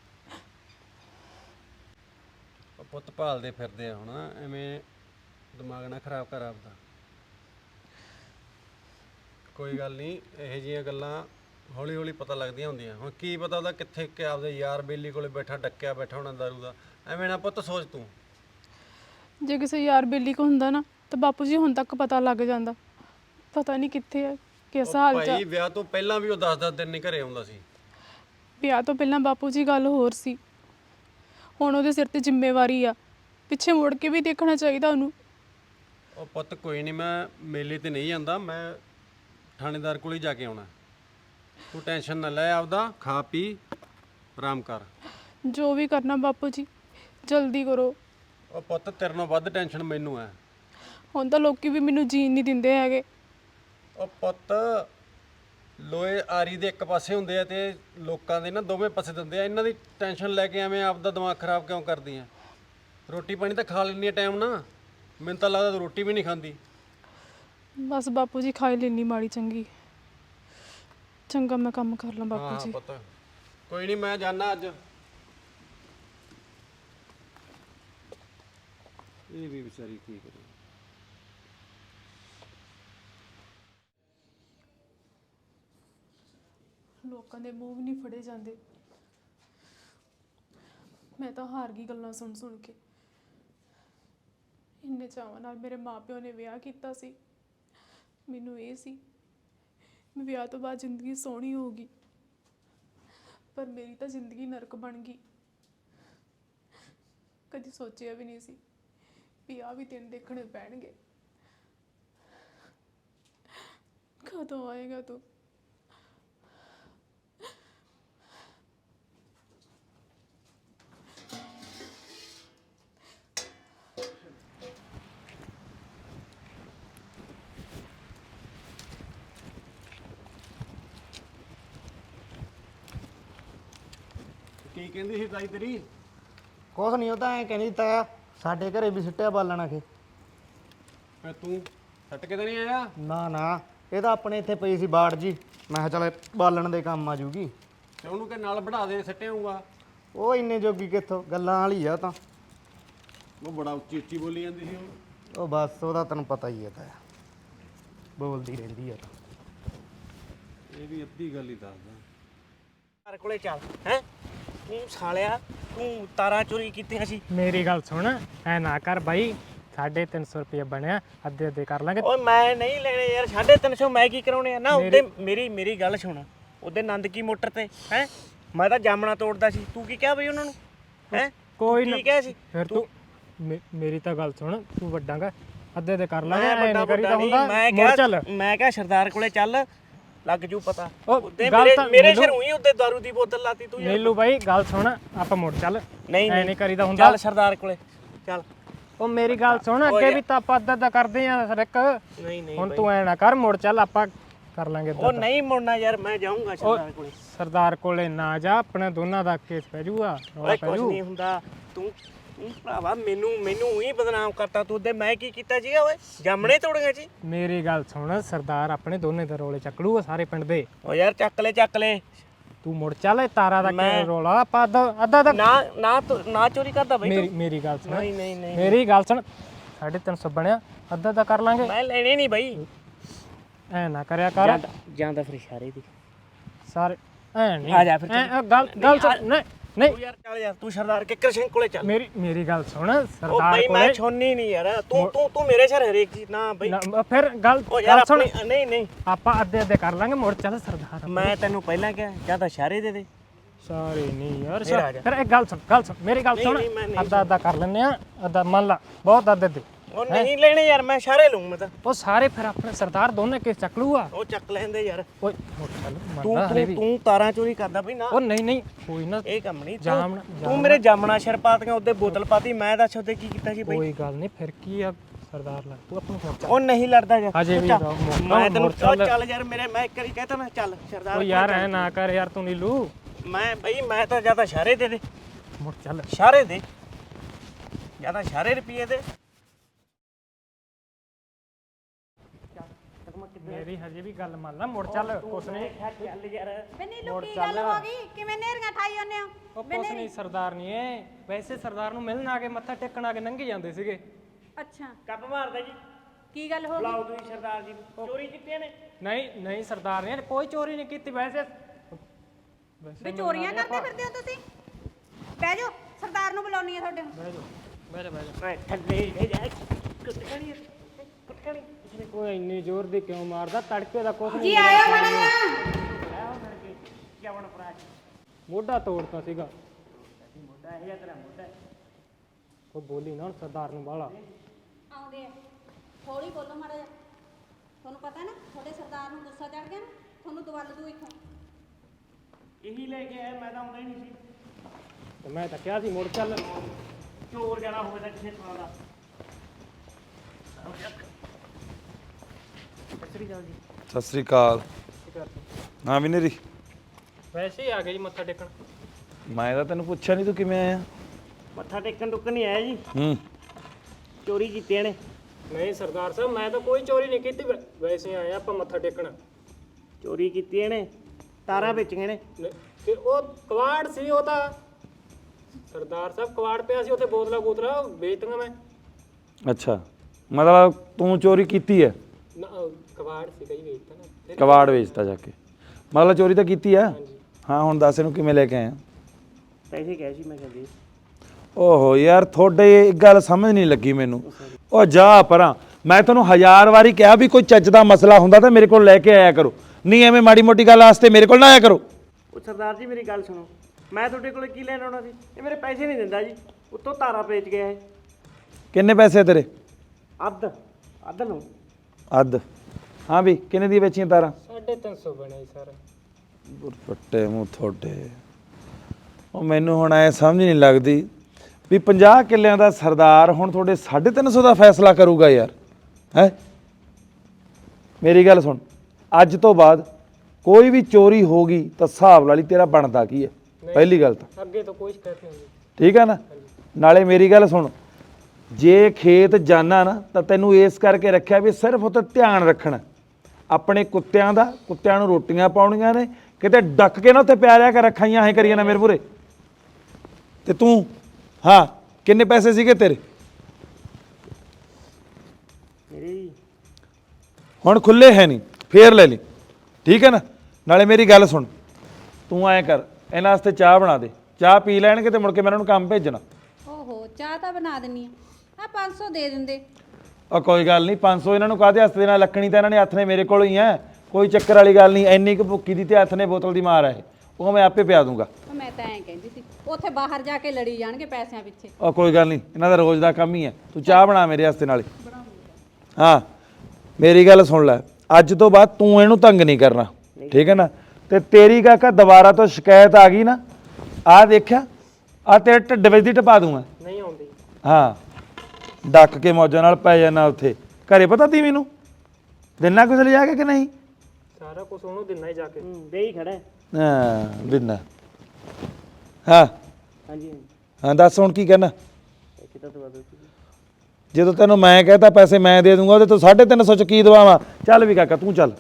Speaker 3: ਉਹ ਪੁੱਤ ਭਾਲਦੇ ਫਿਰਦੇ ਆ ਹੁਣ, ਐਵੇਂ ਦਿਮਾਗ ਨਾ ਖਰਾਬ ਕਰ ਆਪਦਾ। ਕੋਈ ਗੱਲ ਨਹੀਂ, ਇਹੋ ਜਿਹੀਆਂ ਗੱਲਾਂ ਹੌਲੀ ਹੌਲੀ ਪਤਾ ਲੱਗਦੀਆਂ ਹੁੰਦੀਆਂ। ਹੁਣ ਕੀ ਪਤਾ ਉਹਦਾ ਕਿੱਥੇ ਕਿ ਆਪਦੇ ਯਾਰ ਬੇਲੀ ਕੋਲੇ ਬੈਠਾ ਡੱਕਿਆ ਬੈਠਾ ਹੋਣਾ ਦਾਰੂ ਦਾ। ਐਵੇਂ ਨਾ ਪੁੱਤ ਸੋਚ ਤੂੰ।
Speaker 1: ਜੇ ਕਿਸੇ ਯਾਰ ਬੇਲੀ ਕੋ ਹੁੰਦਾ ਨਾ ਤਾਂ ਬਾਪੂ ਜੀ ਹੁਣ ਤੱਕ ਪਤਾ ਲੱਗ ਜਾਂਦਾ। ਪਤਾ ਨਹੀਂ ਕਿੱਥੇ ਹੈ, ਕਿਸ ਹਾਲ ਚ ਆ।
Speaker 3: ਭਾਈ ਵਿਆਹ ਤੋਂ ਪਹਿਲਾਂ ਵੀ ਉਹ 10-10 ਦਿਨ ਨਹੀਂ ਘਰੇ ਆਉਂਦਾ ਸੀ।
Speaker 1: ਵਿਆਹ ਤੋਂ ਪਹਿਲਾਂ ਬਾਪੂ ਜੀ ਗੱਲ ਹੋਰ ਸੀ, ਹੁਣ ਉਹਦੇ ਸਿਰ ਤੇ ਜ਼ਿੰਮੇਵਾਰੀ ਆ, ਪਿੱਛੇ ਮੁੜ ਕੇ ਵੀ ਦੇਖਣਾ ਚਾਹੀਦਾ ਉਹਨੂੰ।
Speaker 3: ਉਹ ਪੁੱਤ ਕੋਈ ਨਹੀਂ, ਮੈਂ ਮੇਲੇ ਤੇ ਨਹੀਂ ਜਾਂਦਾ, ਮੈਂ ਥਾਣੇਦਾਰ ਕੋਲ ਹੀ ਜਾ ਕੇ ਆਉਣਾ। ਤੂੰ ਟੈਨਸ਼ਨ ਨਾ ਲੈ, ਆਪਦਾ ਖਾ ਪੀ ਆਰਾਮ ਕਰ।
Speaker 1: ਜੋ ਵੀ ਕਰਨਾ ਬਾਪੂ ਜੀ ਜਲਦੀ ਕਰੋ।
Speaker 3: ਉਹ ਪੁੱਤ ਤੇਰੇ ਨਾਲੋਂ ਵੱਧ ਟੈਨਸ਼ਨ ਮੈਨੂੰ ਹੈ।
Speaker 1: ਹੁਣ ਤਾਂ ਲੋਕੀ ਵੀ ਮੈਨੂੰ ਜੀਣ ਨਹੀਂ ਦਿੰਦੇ ਹੈਗੇ।
Speaker 3: ਉਹ ਪੁੱਤ ਲੋਹੇ ਆਰੀ ਦੇ ਇੱਕ ਪਾਸੇ ਹੁੰਦੇ ਆ ਤੇ ਲੋਕਾਂ ਦੇ ਨਾ ਦੋਵੇਂ ਪਾਸੇ ਦਿੰਦੇ ਆ। ਇਹਨਾਂ ਦੀ ਟੈਨਸ਼ਨ ਲੈ ਕੇ ਐਵੇਂ ਆਪਦਾ ਦਿਮਾਗ ਖਰਾਬ ਕਿਉਂ ਕਰਦੀ ਆ? ਰੋਟੀ ਪਾਣੀ ਤਾਂ ਖਾ ਲੈਂਦੀ ਆ ਟਾਈਮ ਨਾ। ਮੈਨੂੰ ਤਾਂ ਲੱਗਦਾ ਤੂੰ ਰੋਟੀ ਵੀ ਨਹੀਂ ਖਾਂਦੀ।
Speaker 1: ਬਸ ਬਾਪੂ ਜੀ ਖਾਈ ਲੈਣੀ ਮਾੜੀ ਚੰਗੀ। ਚੰਗਾ ਮੈਂ ਕੰਮ ਕਰ ਲਾਂ ਬਾਪੂ ਜੀ।
Speaker 3: ਪੁੱਤ ਕੋਈ ਨਹੀਂ, ਮੈਂ ਜਾਣਾ ਅੱਜ। ਇਹ ਵੀ ਵਿਚਾਰੀ ਕੀ ਕਰੇ।
Speaker 1: ਲੋਕਾਂ ਦੇ ਮੂੰਹ ਵੀ ਨਹੀਂ ਫੜੇ ਜਾਂਦੇ। ਮੈਂ ਤਾਂ ਹਾਰ ਗਈ ਗੱਲਾਂ ਸੁਣ ਸੁਣ ਕੇ। ਇੰਨੇ ਚਾਵਾਂ ਨਾਲ ਮੇਰੇ ਮਾਪਿਓ ਨੇ ਵਿਆਹ ਕੀਤਾ ਸੀ। ਮੈਨੂੰ ਇਹ ਸੀ ਮੈਂ ਵਿਆਹ ਤੋਂ ਬਾਅਦ ਜ਼ਿੰਦਗੀ ਸੋਹਣੀ ਹੋਊਗੀ, ਪਰ ਮੇਰੀ ਤਾਂ ਜ਼ਿੰਦਗੀ ਨਰਕ ਬਣ ਗਈ। ਕਦੀ ਸੋਚਿਆ ਵੀ ਨਹੀਂ ਸੀ ਵੀ ਆਹ ਵੀ ਦਿਨ ਦੇਖਣੇ ਪੈਣਗੇ। ਕਦੋਂ ਆਏਗਾ ਤੂੰ?
Speaker 3: ਕੀ ਕਹਿੰਦੀ ਸੀ ਤਾਈ ਤੇਰੀ?
Speaker 4: ਕੁਛ ਨਹੀਂ, ਉਹ ਤਾਂ ਐਂ ਕਹਿੰਦੀ ਤਾਇਆ ਸਾਡੇ ਘਰੇ ਵੀ ਸਿੱਟਿਆ ਬਾਲਣ ਆ ਕੇ।
Speaker 3: ਮੈਂ ਤੂੰ ਛੱਟ ਕੇ ਤਾਂ ਨਹੀਂ ਆਇਆ?
Speaker 4: ਨਾ ਨਾ, ਇਹ ਤਾਂ ਆਪਣੇ ਇੱਥੇ ਪਈ ਸੀ ਬਾੜ ਜੀ, ਮੈਂ ਕਿਹਾ ਚੱਲ ਬਾਲਣ ਦੇ ਕੰਮ ਆ ਜੂਗੀ।
Speaker 3: ਤੇ ਉਹਨੂੰ ਕਿ ਨਾਲ ਵਢਾ ਦੇ, ਸੱਟਿਆਉਂਗਾ।
Speaker 4: ਉਹ ਇੰਨੇ ਜੋਗੀ ਕਿੱਥੋਂ, ਗੱਲਾਂ ਵਾਲੀ ਆ ਉਹ ਤਾਂ।
Speaker 3: ਉਹ ਬੜਾ ਉੱਚੀ ਉੱਚੀ ਬੋਲੀ ਜਾਂਦੀ ਸੀ
Speaker 4: ਉਹ ਬਸ ਉਹਦਾ ਤੈਨੂੰ ਪਤਾ ਹੀ ਹੈ ਤਾਇਆ, ਬੋਲਦੀ ਰਹਿੰਦੀ ਆ ਤਾਂ।
Speaker 3: ਇਹ ਵੀ ਅੱਧੀ ਗੱਲ ਹੀ ਦੱਸਦਾ।
Speaker 5: ਘਰ ਕੋਲੇ ਚੱਲ ਹੈ। ਤੂੰ ਸਾਲਿਆ, ਤੂੰ ਤਾਰਾਂ ਚੋਰੀ ਕੀਤੀਆਂ ਸੀ।
Speaker 6: ਮੇਰੀ ਗੱਲ ਸੁਣ, ਐ ਨਾ ਕਰ ਬਾਈ, 350 ਰੁਪਏ ਬਣਿਆ, ਅੱਧੇ ਅੱਧੇ ਕਰ ਲਾਂਗੇ।
Speaker 5: ਓਏ ਮੈਂ ਨਹੀਂ ਲੈਣੇ ਯਾਰ, 350 ਮੈਂ ਕੀ ਕਰਾਉਣੇ ਆ ਨਾ। ਉਹਦੇ ਮੇਰੀ ਗੱਲ ਸੁਣ, ਉਹਦੇ ਨੰਦ ਕੀ ਮੋਟਰ ਤੇ ਹੈ ਮੈਂ ਤਾਂ ਜਾਮਣਾ ਤੋੜਦਾ ਸੀ। ਤੂੰ ਕੀ ਕਿਹਾ ਬਈ ਉਹਨਾਂ ਨੂੰ ਹੈ?
Speaker 6: ਕੋਈ ਨਾ,
Speaker 5: ਕੀ ਕਿਹਾ ਸੀ
Speaker 6: ਫਿਰ ਤੂੰ ਮੇਰੀ ਤਾਂ ਗੱਲ ਸੁਣ, ਤੂੰ ਵੱਡਾਂਗਾ, ਅੱਧੇ ਅੱਧੇ ਕਰ ਲਾਂਗੇ।
Speaker 5: ਮੈਂ
Speaker 6: ਐ
Speaker 5: ਵੱਡਾ
Speaker 6: ਨਹੀਂ ਕਰੀਦਾ
Speaker 5: ਨਹੀਂ,
Speaker 6: ਹੁੰਦਾ। ਮੁੜ ਚੱਲ।
Speaker 5: ਮੈਂ ਕਿਹਾ ਸਰਦਾਰ ਕੋਲੇ ਚੱਲ, ਲੱਗ ਜੂ ਪਤਾ।
Speaker 6: ਉਹ
Speaker 5: ਉਹਦੇ
Speaker 6: ਗੱਲ ਤਾਂ
Speaker 5: ਮੇਰੇ
Speaker 6: ਮੈਨੂੰ-
Speaker 5: ਸਿਰ ਹੋਈ ਉੱਤੇ ਦਾਰੂ ਦੀ ਬੋਤਲ ਲਾਤੀ ਤੂੰ ਯਾਰ।
Speaker 6: ਨੀਲੂ ਬਾਈ ਗੱਲ ਸੁਣ, ਆਪਾਂ ਮੁੜ ਚੱਲ।
Speaker 5: ਨਹੀਂ
Speaker 6: ਐ ਨਹੀਂ ਕਰੀਦਾ ਹੁੰਦਾ।
Speaker 5: ਚੱਲ ਸਰਦਾਰ ਕੋਲੇ ਚੱਲ।
Speaker 6: ਉਹ ਮੇਰੀ ਗੱਲ ਸੁਣ, ਅੱਗੇ ਵੀ ਤਾਂ ਆਪਾਂ ਅੱਧਾ ਅੱਧਾ ਕਰਦੇ ਆ ਰਿਕ।
Speaker 5: ਨਹੀਂ ਨਹੀਂ
Speaker 6: ਹੁਣ ਤੂੰ ਐ ਨਾ ਕਰ, ਮੁੜ ਚੱਲ, ਆਪਾਂ ਕਰ ਲਾਂਗੇ ਅੱਧਾ
Speaker 5: ਉਹ
Speaker 6: ਅੱਧਾ।
Speaker 5: ਨਹੀਂ ਮੁੜਨਾ ਯਾਰ, ਮੈਂ ਜਾਊਂਗਾ ਸਰਦਾਰ ਕੋਲੇ।
Speaker 6: ਸਰਦਾਰ ਕੋਲੇ ਨਾ ਜਾ, ਆਪਣੇ ਦੋਨਾਂ ਦਾ ਕੇਸ ਪੈ ਜਾਊਗਾ, ਰੌਲਾ
Speaker 5: ਓਏ
Speaker 6: ਪੈ
Speaker 5: ਕੁਛ
Speaker 6: ਜਾਊ।
Speaker 5: ਨਹੀਂ ਹੁੰਦਾ। ਤੂੰ ਭਰਾਵਾ ਮੈਨੂੰ ਹੀ ਬਦਨਾਮ ਕਰਤਾ ਤੂੰ। ਉਹਦੇ ਮੈਂ ਕੀ ਕੀਤਾ ਸੀਗਾ ਓਏ? ਜਾਮਣੇ ਤੋੜੀਆਂ ਸੀ।
Speaker 6: ਮੇਰੀ ਗੱਲ ਸੁਣ, ਸਰਦਾਰ ਆਪਣੇ ਦੋਨੇ ਦੇ ਰੋਲੇ ਚੱਕ ਲੂਗਾ ਸਾਰੇ ਪਿੰਡ ਦੇ।
Speaker 5: ਓ ਯਾਰ ਚੱਕ ਲੈ।
Speaker 6: ਤੂੰ ਮੁੜ ਚੱਲ, ਇਹ ਤਾਰਾ ਦਾ
Speaker 5: ਮੈਂ-
Speaker 6: ਰੋਲਾ ਆਪਾਂ ਅੱਧਾ ਅੱਧਾ।
Speaker 5: ਨਾ ਚੋਰੀ ਕਰਦਾ ਬਈ ਤੂੰ।
Speaker 6: ਮੇਰੀ ਗੱਲ ਸੁਣ,
Speaker 5: ਨਹੀਂ
Speaker 6: ਮੇਰੀ ਗੱਲ ਸੁਣ, 350 ਬਣਿਆ, ਅੱਧਾ ਅੱਧਾ ਕਰ ਲਾਂਗੇ।
Speaker 5: ਮੈਂ ਲੈਣੇ ਨਹੀਂ ਬਈ।
Speaker 6: ਐ ਨਾ ਕਰਿਆ ਕਰ
Speaker 5: ਜਾਂਦਾ ਫਿਰ ਇਸ਼ਾਰੇ ਦੀ।
Speaker 6: ਸਾਰੇ, ਐ ਨਹੀਂ
Speaker 5: ਆ ਜਾ ਫਿਰ
Speaker 6: ਐਂ ਗੱਲ ਸੁਣ, ਨਹੀਂ
Speaker 5: ਤੂੰ ਯਾਰ ਚੱਲ ਯਾਰ, ਤੂੰ ਸਰਦਾਰ ਕਿੱਕਰ ਸਿੰਘ ਕੋਲੇ ਚੱਲ।
Speaker 6: ਮੇਰੀ ਗੱਲ ਸੁਣ,
Speaker 5: ਓ
Speaker 6: ਸਰਦਾਰ
Speaker 5: ਬਈ ਮੈਂ
Speaker 6: ਕੋਲੇ
Speaker 5: ਛੋਨੀ ਨਹੀਂ ਯਾਰ। ਤੂੰ ਮੇਰੇ ਸਿਰ ਹਰੇਕ ਚੀਜ਼ ਨਾ ਬਈ।
Speaker 6: ਫਿਰ ਗੱਲ
Speaker 5: ਓ ਯਾਰ
Speaker 6: ਸੁਣ,
Speaker 5: ਆਪਣੀ ਨਹੀਂ
Speaker 6: ਆਪਾਂ ਅੱਧੇ ਅੱਧੇ ਕਰ ਲਾਂਗੇ, ਮੁੜ ਚੱਲ ਸਰਦਾਰ।
Speaker 5: ਮੈਂ ਤੈਨੂੰ ਪਹਿਲਾਂ ਕਿਹਾ ਜਾਂ ਤਾਂ ਇਸ਼ਾਰੇ ਦੇ ਦੇ।
Speaker 6: ਸਾਰੇ ਨਹੀਂ ਯਾਰ,
Speaker 5: ਫਿਰ ਆ ਜਾ।
Speaker 6: ਫਿਰ ਇੱਕ ਗੱਲ ਸੁਣ, ਮੇਰੀ ਗੱਲ ਸੁਣ,
Speaker 5: ਨਹੀਂ, ਮੈਂ ਨਹੀਂ
Speaker 6: ਅੱਧਾ ਅੱਧਾ ਕਰ ਲੈਨੇ ਆ, ਅੱਧਾ ਮੰਨ ਲਾ, ਬਹੁਤ ਅੱਧੇ ਅੱਧੇ।
Speaker 5: ਉਹ ਨਹੀਂ ਲੈਣੇ ਯਾਰ, ਮੈਂ ਇਸ਼ਾਰੇ ਲਊਂ ਮੈਂ ਤਾਂ।
Speaker 6: ਉਹ ਸਾਰੇ ਫਿਰ ਆਪਣੇ ਸਰਦਾਰ ਦੋਨੇ ਕੇਸ ਚੱਕ ਲੂਗਾ।
Speaker 5: ਉਹ ਚੱਕ ਲੈਂਦੇ ਯਾਰ।
Speaker 6: ਓਏ ਮੁੜ ਚੱਲ, ਮੰਨਦਾ ਹਲੇ ਵੀ।
Speaker 5: ਤੂੰ ਤਾਰਾਂ ਚੋਰੀ ਕਰਦਾ ਬਈ ਨਾ।
Speaker 6: ਉਹ ਨਹੀਂ ਕੋਈ ਨਾ,
Speaker 5: ਇਹ ਕੰਮ ਨਹੀਂ।
Speaker 6: ਜਾਮਣਾ-
Speaker 5: ਤੂੰ ਮੇਰੇ ਜਾਮਣਾ ਸਿਰ ਪਾਤੀਆਂ, ਉਹਦੇ ਬੋਤਲ ਪਾਤੀ। ਮੈਂ ਦੱਸ ਉਹਦੇ ਕੀ ਕੀਤਾ ਸੀ ਬਈ?
Speaker 6: ਕੋਈ ਗੱਲ ਨਹੀਂ, ਫਿਰ ਕੀ ਆ, ਸਰਦਾਰ ਲੱਗ ਤੂੰ ਆਪਣਾ ਮੁੜ ਚੱਲ।
Speaker 5: ਉਹ ਨਹੀਂ ਲੜਦਾ ਯਾਰ।
Speaker 6: ਹਜੇ ਵੀ
Speaker 5: ਚੱਲ।
Speaker 6: ਮੁੜ-
Speaker 5: ਮੈਂ ਤੈਨੂੰ
Speaker 6: ਮੁੜ ਚੱਲ।
Speaker 5: ਚੱਲ ਯਾਰ, ਮੈਂ ਇੱਕ ਵਾਰੀ ਕਹਿਤਾ ਨਾ ਚੱਲ ਸਰਦਾਰ।
Speaker 6: ਉਹ ਯਾਰ ਐ ਨਾ ਕਰ ਯਾਰ, ਤੂੰ ਨੀਲੂ
Speaker 5: ਮੈਂ ਤਾਂ ਜਾਂ ਤਾਂ ਇਸ਼ਾਰੇ ਦੇ
Speaker 6: ਮੁੜ ਚੱਲ।
Speaker 5: ਇਸ਼ਾਰੇ ਦੇ, ਜਾਂ ਤਾਂ ਇਸ਼ਾਰੇ ਰੁਪਏ ਦੇ।
Speaker 6: ਮੇਰੀ ਹਜੇ ਵੀ ਗੱਲ ਮੰਨ ਲੈ ਮੁੜ ਚੱਲ ਕੁਛ ਨਹੀਂ
Speaker 5: ਚੱਲ ਯਾਰ
Speaker 6: ਮੁੜ ਚੱਲ
Speaker 2: ਕਿਵੇਂ ਨੇਰੀਆਂ ਠਾਈ ਜਾਂਦੇ ਹੋ
Speaker 6: ਉਹ ਕੁਛ ਨਹੀਂ ਸਰਦਾਰ ਨਹੀਂ ਏ ਵੈਸੇ ਸਰਦਾਰ ਨੂੰ ਮਿਲਣ ਆ ਕੇ ਮੱਥਾ ਟੇਕਣ ਆ ਕੇ ਲੰਘੇ ਜਾਂਦੇ ਸੀਗੇ
Speaker 2: ਅੱਛਾ
Speaker 5: ਕੱਪ ਮਾਰਦਾ ਜੀ
Speaker 2: ਕੀ ਗੱਲ ਹੋ
Speaker 5: ਬੁਲਾਓ ਤੁਸੀਂ ਸਰਦਾਰ ਜੀ ਨੂੰ। ਚੋਰੀ ਕੀਤੀਆਂ ਨੇ
Speaker 6: ਨਹੀਂ ਨਹੀਂ ਸਰਦਾਰ ਨੇ ਕੋਈ ਚੋਰੀ ਨਹੀਂ ਕੀਤੀ ਵੈਸੇ
Speaker 2: ਵੀ ਚੋਰੀਆਂ ਕਰਦੇ ਫਿਰਦੇ ਹੋ ਤੁਸੀਂ ਬਹਿ ਜਾਓ ਸਰਦਾਰ ਨੂੰ ਬੁਲਾਉਣੀ ਹੈ ਤੁਹਾਡੇ ਨੂੰ
Speaker 6: ਬਹਿ ਜਾ
Speaker 5: ਓਏ ਥੱਲੇ ਲੈ ਜਾ ਕੁੱਟਕਣੀ ਕੁੱਟਕਣੀ
Speaker 6: ਕੋਈ ਇੰਨੀ ਜ਼ੋਰ ਦੀ ਕਿਉਂ ਮਾਰਦਾ ਤੜਕੇ ਦਾ ਕੁਛ
Speaker 2: ਜੀ
Speaker 6: ਨਹੀਂ
Speaker 2: ਆਇਓ ਮਾੜਾ ਜਿਹਾ
Speaker 5: ਕਿਉਂ ਭਰਾ
Speaker 6: ਮੋਢਾ ਤੋੜਤਾ ਸੀਗਾ
Speaker 5: ਮੋਢਾ ਇਹ ਤੇਰਾ ਮੋਢਾ
Speaker 6: ਉਹ ਬੋਲੀ ਨਾ ਹੁਣ ਸਰਦਾਰ ਨੂੰ ਬਾਲਾ
Speaker 2: ਆਉਂਦੇ ਆ ਥੋੜੀ ਬੋਲੋ ਮਾੜਾ ਜਿਹਾ ਤੁਹਾਨੂੰ ਪਤਾ ਨਾ ਤੁਹਾਡੇ ਸਰਦਾਰ ਨੂੰ ਗੁੱਸਾ ਚੜ ਗਿਆ ਨਾ ਤੁਹਾਨੂੰ ਦਵਲ ਦੂ ਇੱਥੋਂ
Speaker 5: ਇਹੀ ਲੈ ਕੇ ਆਇਆ ਮੈਂ ਤਾਂ ਆਉਂਦਾ ਹੀ ਨਹੀਂ ਸੀ
Speaker 6: ਤੇ ਮੈਂ ਤਾਂ ਕਿਹਾ ਸੀ ਮੁੜ ਚੱਲ
Speaker 5: ਚੋਰ ਜਾਣਾ ਹੋਵੇ ਤਾਂ ਕਿਸੇ ਥਾਂ ਦਾ
Speaker 7: ਸਤਿ ਸ੍ਰੀ ਅਕਾਲ। ਹਾਂ ਵਿਨੇਰੀ,
Speaker 6: ਵੈਸੇ ਹੀ ਆ ਗਏ ਜੀ ਮੱਥਾ ਟੇਕਣ
Speaker 7: ਮੈਂ ਤਾਂ ਤੈਨੂੰ ਪੁੱਛਿਆ ਨਹੀਂ ਤੂੰ ਕਿਵੇਂ ਆਇਆ।
Speaker 5: ਮੱਥਾ ਟੇਕਣ ਟੁੱਕਣ ਨਹੀਂ ਆਇਆ ਜੀ
Speaker 7: ਹੂੰ,
Speaker 5: ਚੋਰੀ ਕੀਤੀਆਂ ਨੇ
Speaker 6: ਨਹੀਂ ਸਰਦਾਰ ਸਾਹਿਬ ਮੈਂ ਤਾਂ ਕੋਈ ਚੋਰੀ ਨਹੀਂ ਕੀਤੀ ਵੈਸੇ ਆਏ ਆਪਾਂ ਮੱਥਾ ਟੇਕਣ
Speaker 5: ਚੋਰੀ ਕੀਤੀਆਂ ਨੇ ਤਾਰਾਂ ਵੇਚੀਆਂ ਨੇ
Speaker 6: ਤੇ ਉਹ ਕਵਾੜ ਸੀ ਉਹ ਤਾਂ ਸਰਦਾਰ ਸਾਹਿਬ ਕਵਾੜ ਪਿਆ ਸੀ ਉੱਥੇ ਬੋਤਲਾਂ ਵੇਚਤੀਆਂ ਮੈਂ
Speaker 7: ਅੱਛਾ ਮਤਲਬ ਤੂੰ ਚੋਰੀ ਕੀਤੀ ਹੈ।
Speaker 6: ਨਾ ਕਵਾੜ ਸੀ ਕਈ ਵੇਚਤਾ ਨਾ ਫਿਰ
Speaker 7: ਕਬਾੜ ਵੇਚਤਾ ਜਾ ਕੇ, ਮਤਲਬ ਚੋਰੀ ਤਾਂ ਕੀਤੀ ਆ। ਹਾਂ ਹੁਣ ਦੱਸ ਇਹਨੂੰ ਕਿਵੇਂ ਲੈ ਕੇ ਆਇਆ।
Speaker 5: ਪੈਸੇ ਗਏ ਸੀ ਮੈਂ ਕਹਿੰਦੀ
Speaker 7: ਓਹੋ ਯਾਰ ਤੁਹਾਡੇ ਇੱਕ ਗੱਲ ਸਮਝ ਨਹੀਂ ਲੱਗੀ ਮੈਨੂੰ। ਉਹ ਜਾ ਪਰਾਂ, ਮੈਂ ਤੁਹਾਨੂੰ 1000 ਵਾਰੀ ਕਿਹਾ ਵੀ ਕੋਈ ਚੱਜ ਦਾ ਮਸਲਾ ਹੁੰਦਾ ਤਾਂ ਮੇਰੇ ਕੋਲ ਲੈ ਕੇ ਆਇਆ ਕਰੋ, ਨਹੀਂ ਐਵੇਂ ਮਾੜੀ ਮੋਟੀ ਗੱਲ ਵਾਸਤੇ ਮੇਰੇ ਕੋਲ ਨਾ ਆਇਆ ਕਰੋ।
Speaker 5: ਉਹ ਸਰਦਾਰ ਜੀ ਮੇਰੀ ਗੱਲ ਸੁਣੋ, ਮੈਂ ਤੁਹਾਡੇ ਕੋਲ ਕੀ ਲੈਣ ਆਉਣਾ ਸੀ? ਇਹ ਮੇਰੇ ਪੈਸੇ ਨਹੀਂ ਦਿੰਦਾ ਜੀ, ਉੱਤੋਂ ਤਾਰਾਂ ਵੇਚ ਗਿਆ ਇਹ।
Speaker 7: ਕਿੰਨੇ ਪੈਸੇ ਤੇਰੇ?
Speaker 5: ਅੱਧ ਨੂੰ
Speaker 7: ਅੱਧ। ਹਾਂ ਵੀ ਕਿੰਨੇ ਦੀ ਵੇਚੀਆਂ ਤਾਰਾਂ?
Speaker 6: 350 ਬਣੇ ਸਰ।
Speaker 7: ਫੱਟੇ ਮੂੰਹ ਤੁਹਾਡੇ। ਉਹ ਮੈਨੂੰ ਹੁਣ ਐ ਸਮਝ ਨਹੀਂ ਲੱਗਦੀ ਵੀ 50 ਕਿੱਲਿਆਂ ਦਾ ਸਰਦਾਰ ਹੁਣ ਤੁਹਾਡੇ 350 ਦਾ ਫੈਸਲਾ ਕਰੂਗਾ ਯਾਰ। ਹੈ ਮੇਰੀ ਗੱਲ ਸੁਣ, ਅੱਜ ਤੋਂ ਬਾਅਦ ਕੋਈ ਵੀ ਚੋਰੀ ਹੋ ਗਈ ਤਾਂ ਹਿਸਾਬ ਵਾਲੀ ਤੇਰਾ ਬਣਦਾ ਕੀ ਹੈ ਪਹਿਲੀ ਗੱਲ ਤਾਂ,
Speaker 6: ਅੱਗੇ ਤੋਂ ਕੋਈ ਸ਼ਿਕਾਇਤ ਨਹੀਂ ਹੁੰਦੀ।
Speaker 7: ਠੀਕ ਹੈ ਨਾ। ਨਾਲੇ ਮੇਰੀ ਗੱਲ ਸੁਣ, ਜੇ ਖੇਤ ਜਾਣਾ ਨਾ ਤਾਂ ਤੈਨੂੰ ਇਸ ਕਰਕੇ ਰੱਖਿਆ ਵੀ ਸਿਰਫ ਉੱਤੇ ਧਿਆਨ ਰੱਖਣਾ ਆਪਣੇ ਕੁੱਤਿਆਂ ਦਾ, ਕੁੱਤਿਆਂ ਨੂੰ ਰੋਟੀਆਂ ਪਾਉਣੀਆਂ ਨੇ, ਕਿਤੇ ਡੱਕ ਕੇ ਨਾ ਉੱਥੇ ਪਿਆ ਰਿਆ ਕਰ, ਰੱਖਾਈਆਂ ਐ ਕਰੀਏ ਨਾ ਮੇਰੇ ਮੂਹਰੇ। ਤੇ ਤੂੰ ਹਾਂ ਕਿੰਨੇ ਪੈਸੇ ਸੀਗੇ ਤੇਰੇ?
Speaker 5: ਮੇਰੀ
Speaker 7: ਹੁਣ ਖੁੱਲੇ ਹੈ ਨਹੀਂ, ਫੇਰ ਲੈ ਲਈ, ਠੀਕ ਹੈ ਨਾ। ਨਾਲੇ ਮੇਰੀ ਗੱਲ ਸੁਣ, ਤੂੰ ਐਂ ਕਰ ਇਹਨਾਂ ਵਾਸਤੇ ਚਾਹ ਬਣਾ ਦੇ, ਚਾਹ ਪੀ ਲੈਣਗੇ ਤੇ ਮੁੜ ਕੇ ਮੈਂ ਇਹਨਾਂ ਨੂੰ ਕੰਮ ਭੇਜਣਾ।
Speaker 2: ਓਹੋ ਚਾਹ ਤਾਂ ਬਣਾ ਦਿੰਨੀ ਆ 500 ਦੇ ਦਿੰਦੇ।
Speaker 7: ਉਹ ਕੋਈ ਗੱਲ ਨਹੀਂ, 500 ਇਹਨਾਂ ਨੂੰ ਕਾਹਦੇ ਹੱਥ ਦੇ ਨਾਲ ਲੱਕਣੀ ਤਾਂ ਇਹਨਾਂ ਨੇ ਹੱਥ ਨੇ ਮੇਰੇ ਕੋਲ ਹੀ ਹੈ, ਕੋਈ ਚੱਕਰ ਵਾਲੀ ਗੱਲ ਨਹੀਂ। ਇੰਨੀ ਕੁ ਭੁੱਕੀ ਦੀ ਤੇ ਹੱਥ ਨੇ ਬੋਤਲ ਦੀ ਮਾਰ ਹੈ, ਉਹ ਮੈਂ ਆਪੇ ਪਿਆ ਦੂੰਗਾ।
Speaker 2: ਮੈਂ ਤਾਂ ਐਂ ਕਹਿੰਦੀ ਸੀ ਉੱਥੇ ਬਾਹਰ ਜਾ ਕੇ ਲੜੀ ਜਾਣਗੇ ਪੈਸਿਆਂ ਪਿੱਛੇ।
Speaker 7: ਉਹ ਕੋਈ ਗੱਲ ਨਹੀਂ, ਇਹਨਾਂ ਦਾ ਰੋਜ਼ ਦਾ ਕੰਮ ਹੀ ਹੈ। ਤੂੰ ਚਾਹ ਬਣਾ ਮੇਰੇ ਵਾਸਤੇ ਨਾਲੇ। ਹਾਂ ਮੇਰੀ ਗੱਲ ਸੁਣ ਲੈ, ਅੱਜ ਤੋਂ ਬਾਅਦ ਤੂੰ ਇਹਨੂੰ ਤੰਗ ਨਹੀਂ ਕਰਨਾ, ਠੀਕ ਹੈ ਨਾ। ਤੇ ਤੇਰੀ ਕਾਕਾ ਦੁਬਾਰਾ ਤੋਂ ਸ਼ਿਕਾਇਤ ਆ ਗਈ ਨਾ, ਆਹ ਦੇਖਿਆ ਆ ਤੇਰੇ ਢਿੱਡ ਵਿੱਚ ਦੀ ਟਪਾ ਦੂੰਗਾ।
Speaker 6: ਨਹੀਂ ਆਉਂਦੀ।
Speaker 7: ਹਾਂ ਡੱਕ ਕੇ ਮੌਜਾਂ ਨਾਲ ਪੈ ਜਾਣਾ ਉੱਥੇ। ਘਰੇ ਪਤਾ ਤੀ ਮੈਨੂੰ ਦਿਨਾ ਕੁਛ ਲਿਜਾ ਕੇ ਕਿ ਨਹੀਂ?
Speaker 6: ਸਾਰਾ ਕੁਝ ਉਹਨੂੰ ਦਿਨਾ ਹੀ ਜਾ ਕੇ।
Speaker 5: ਦੇ ਹੀ ਖੜਾ ਹੈ।
Speaker 7: ਹਾਂ ਦਿਨਾ। ਹਾਂ
Speaker 5: ਹਾਂਜੀ
Speaker 7: ਹਾਂ ਦੱਸ ਹੁਣ ਕੀ ਕਹਿਣਾ?
Speaker 5: ਪੈਸੇ ਤਾਂ ਦਵਾ ਦਿਓ ਤੁਸੀਂ।
Speaker 7: ਜਦੋਂ ਤੈਨੂੰ ਮੈਂ ਕਹਤਾ ਪੈਸੇ ਮੈਂ ਦੇ ਦੂੰਗਾ, ਉਹਦੇ ਤੋਂ 350 ਚ ਕੀ ਦਵਾਵਾਂ? ਚੱਲ ਵੀ ਕਾਕਾ ਤੂੰ ਚੱਲ।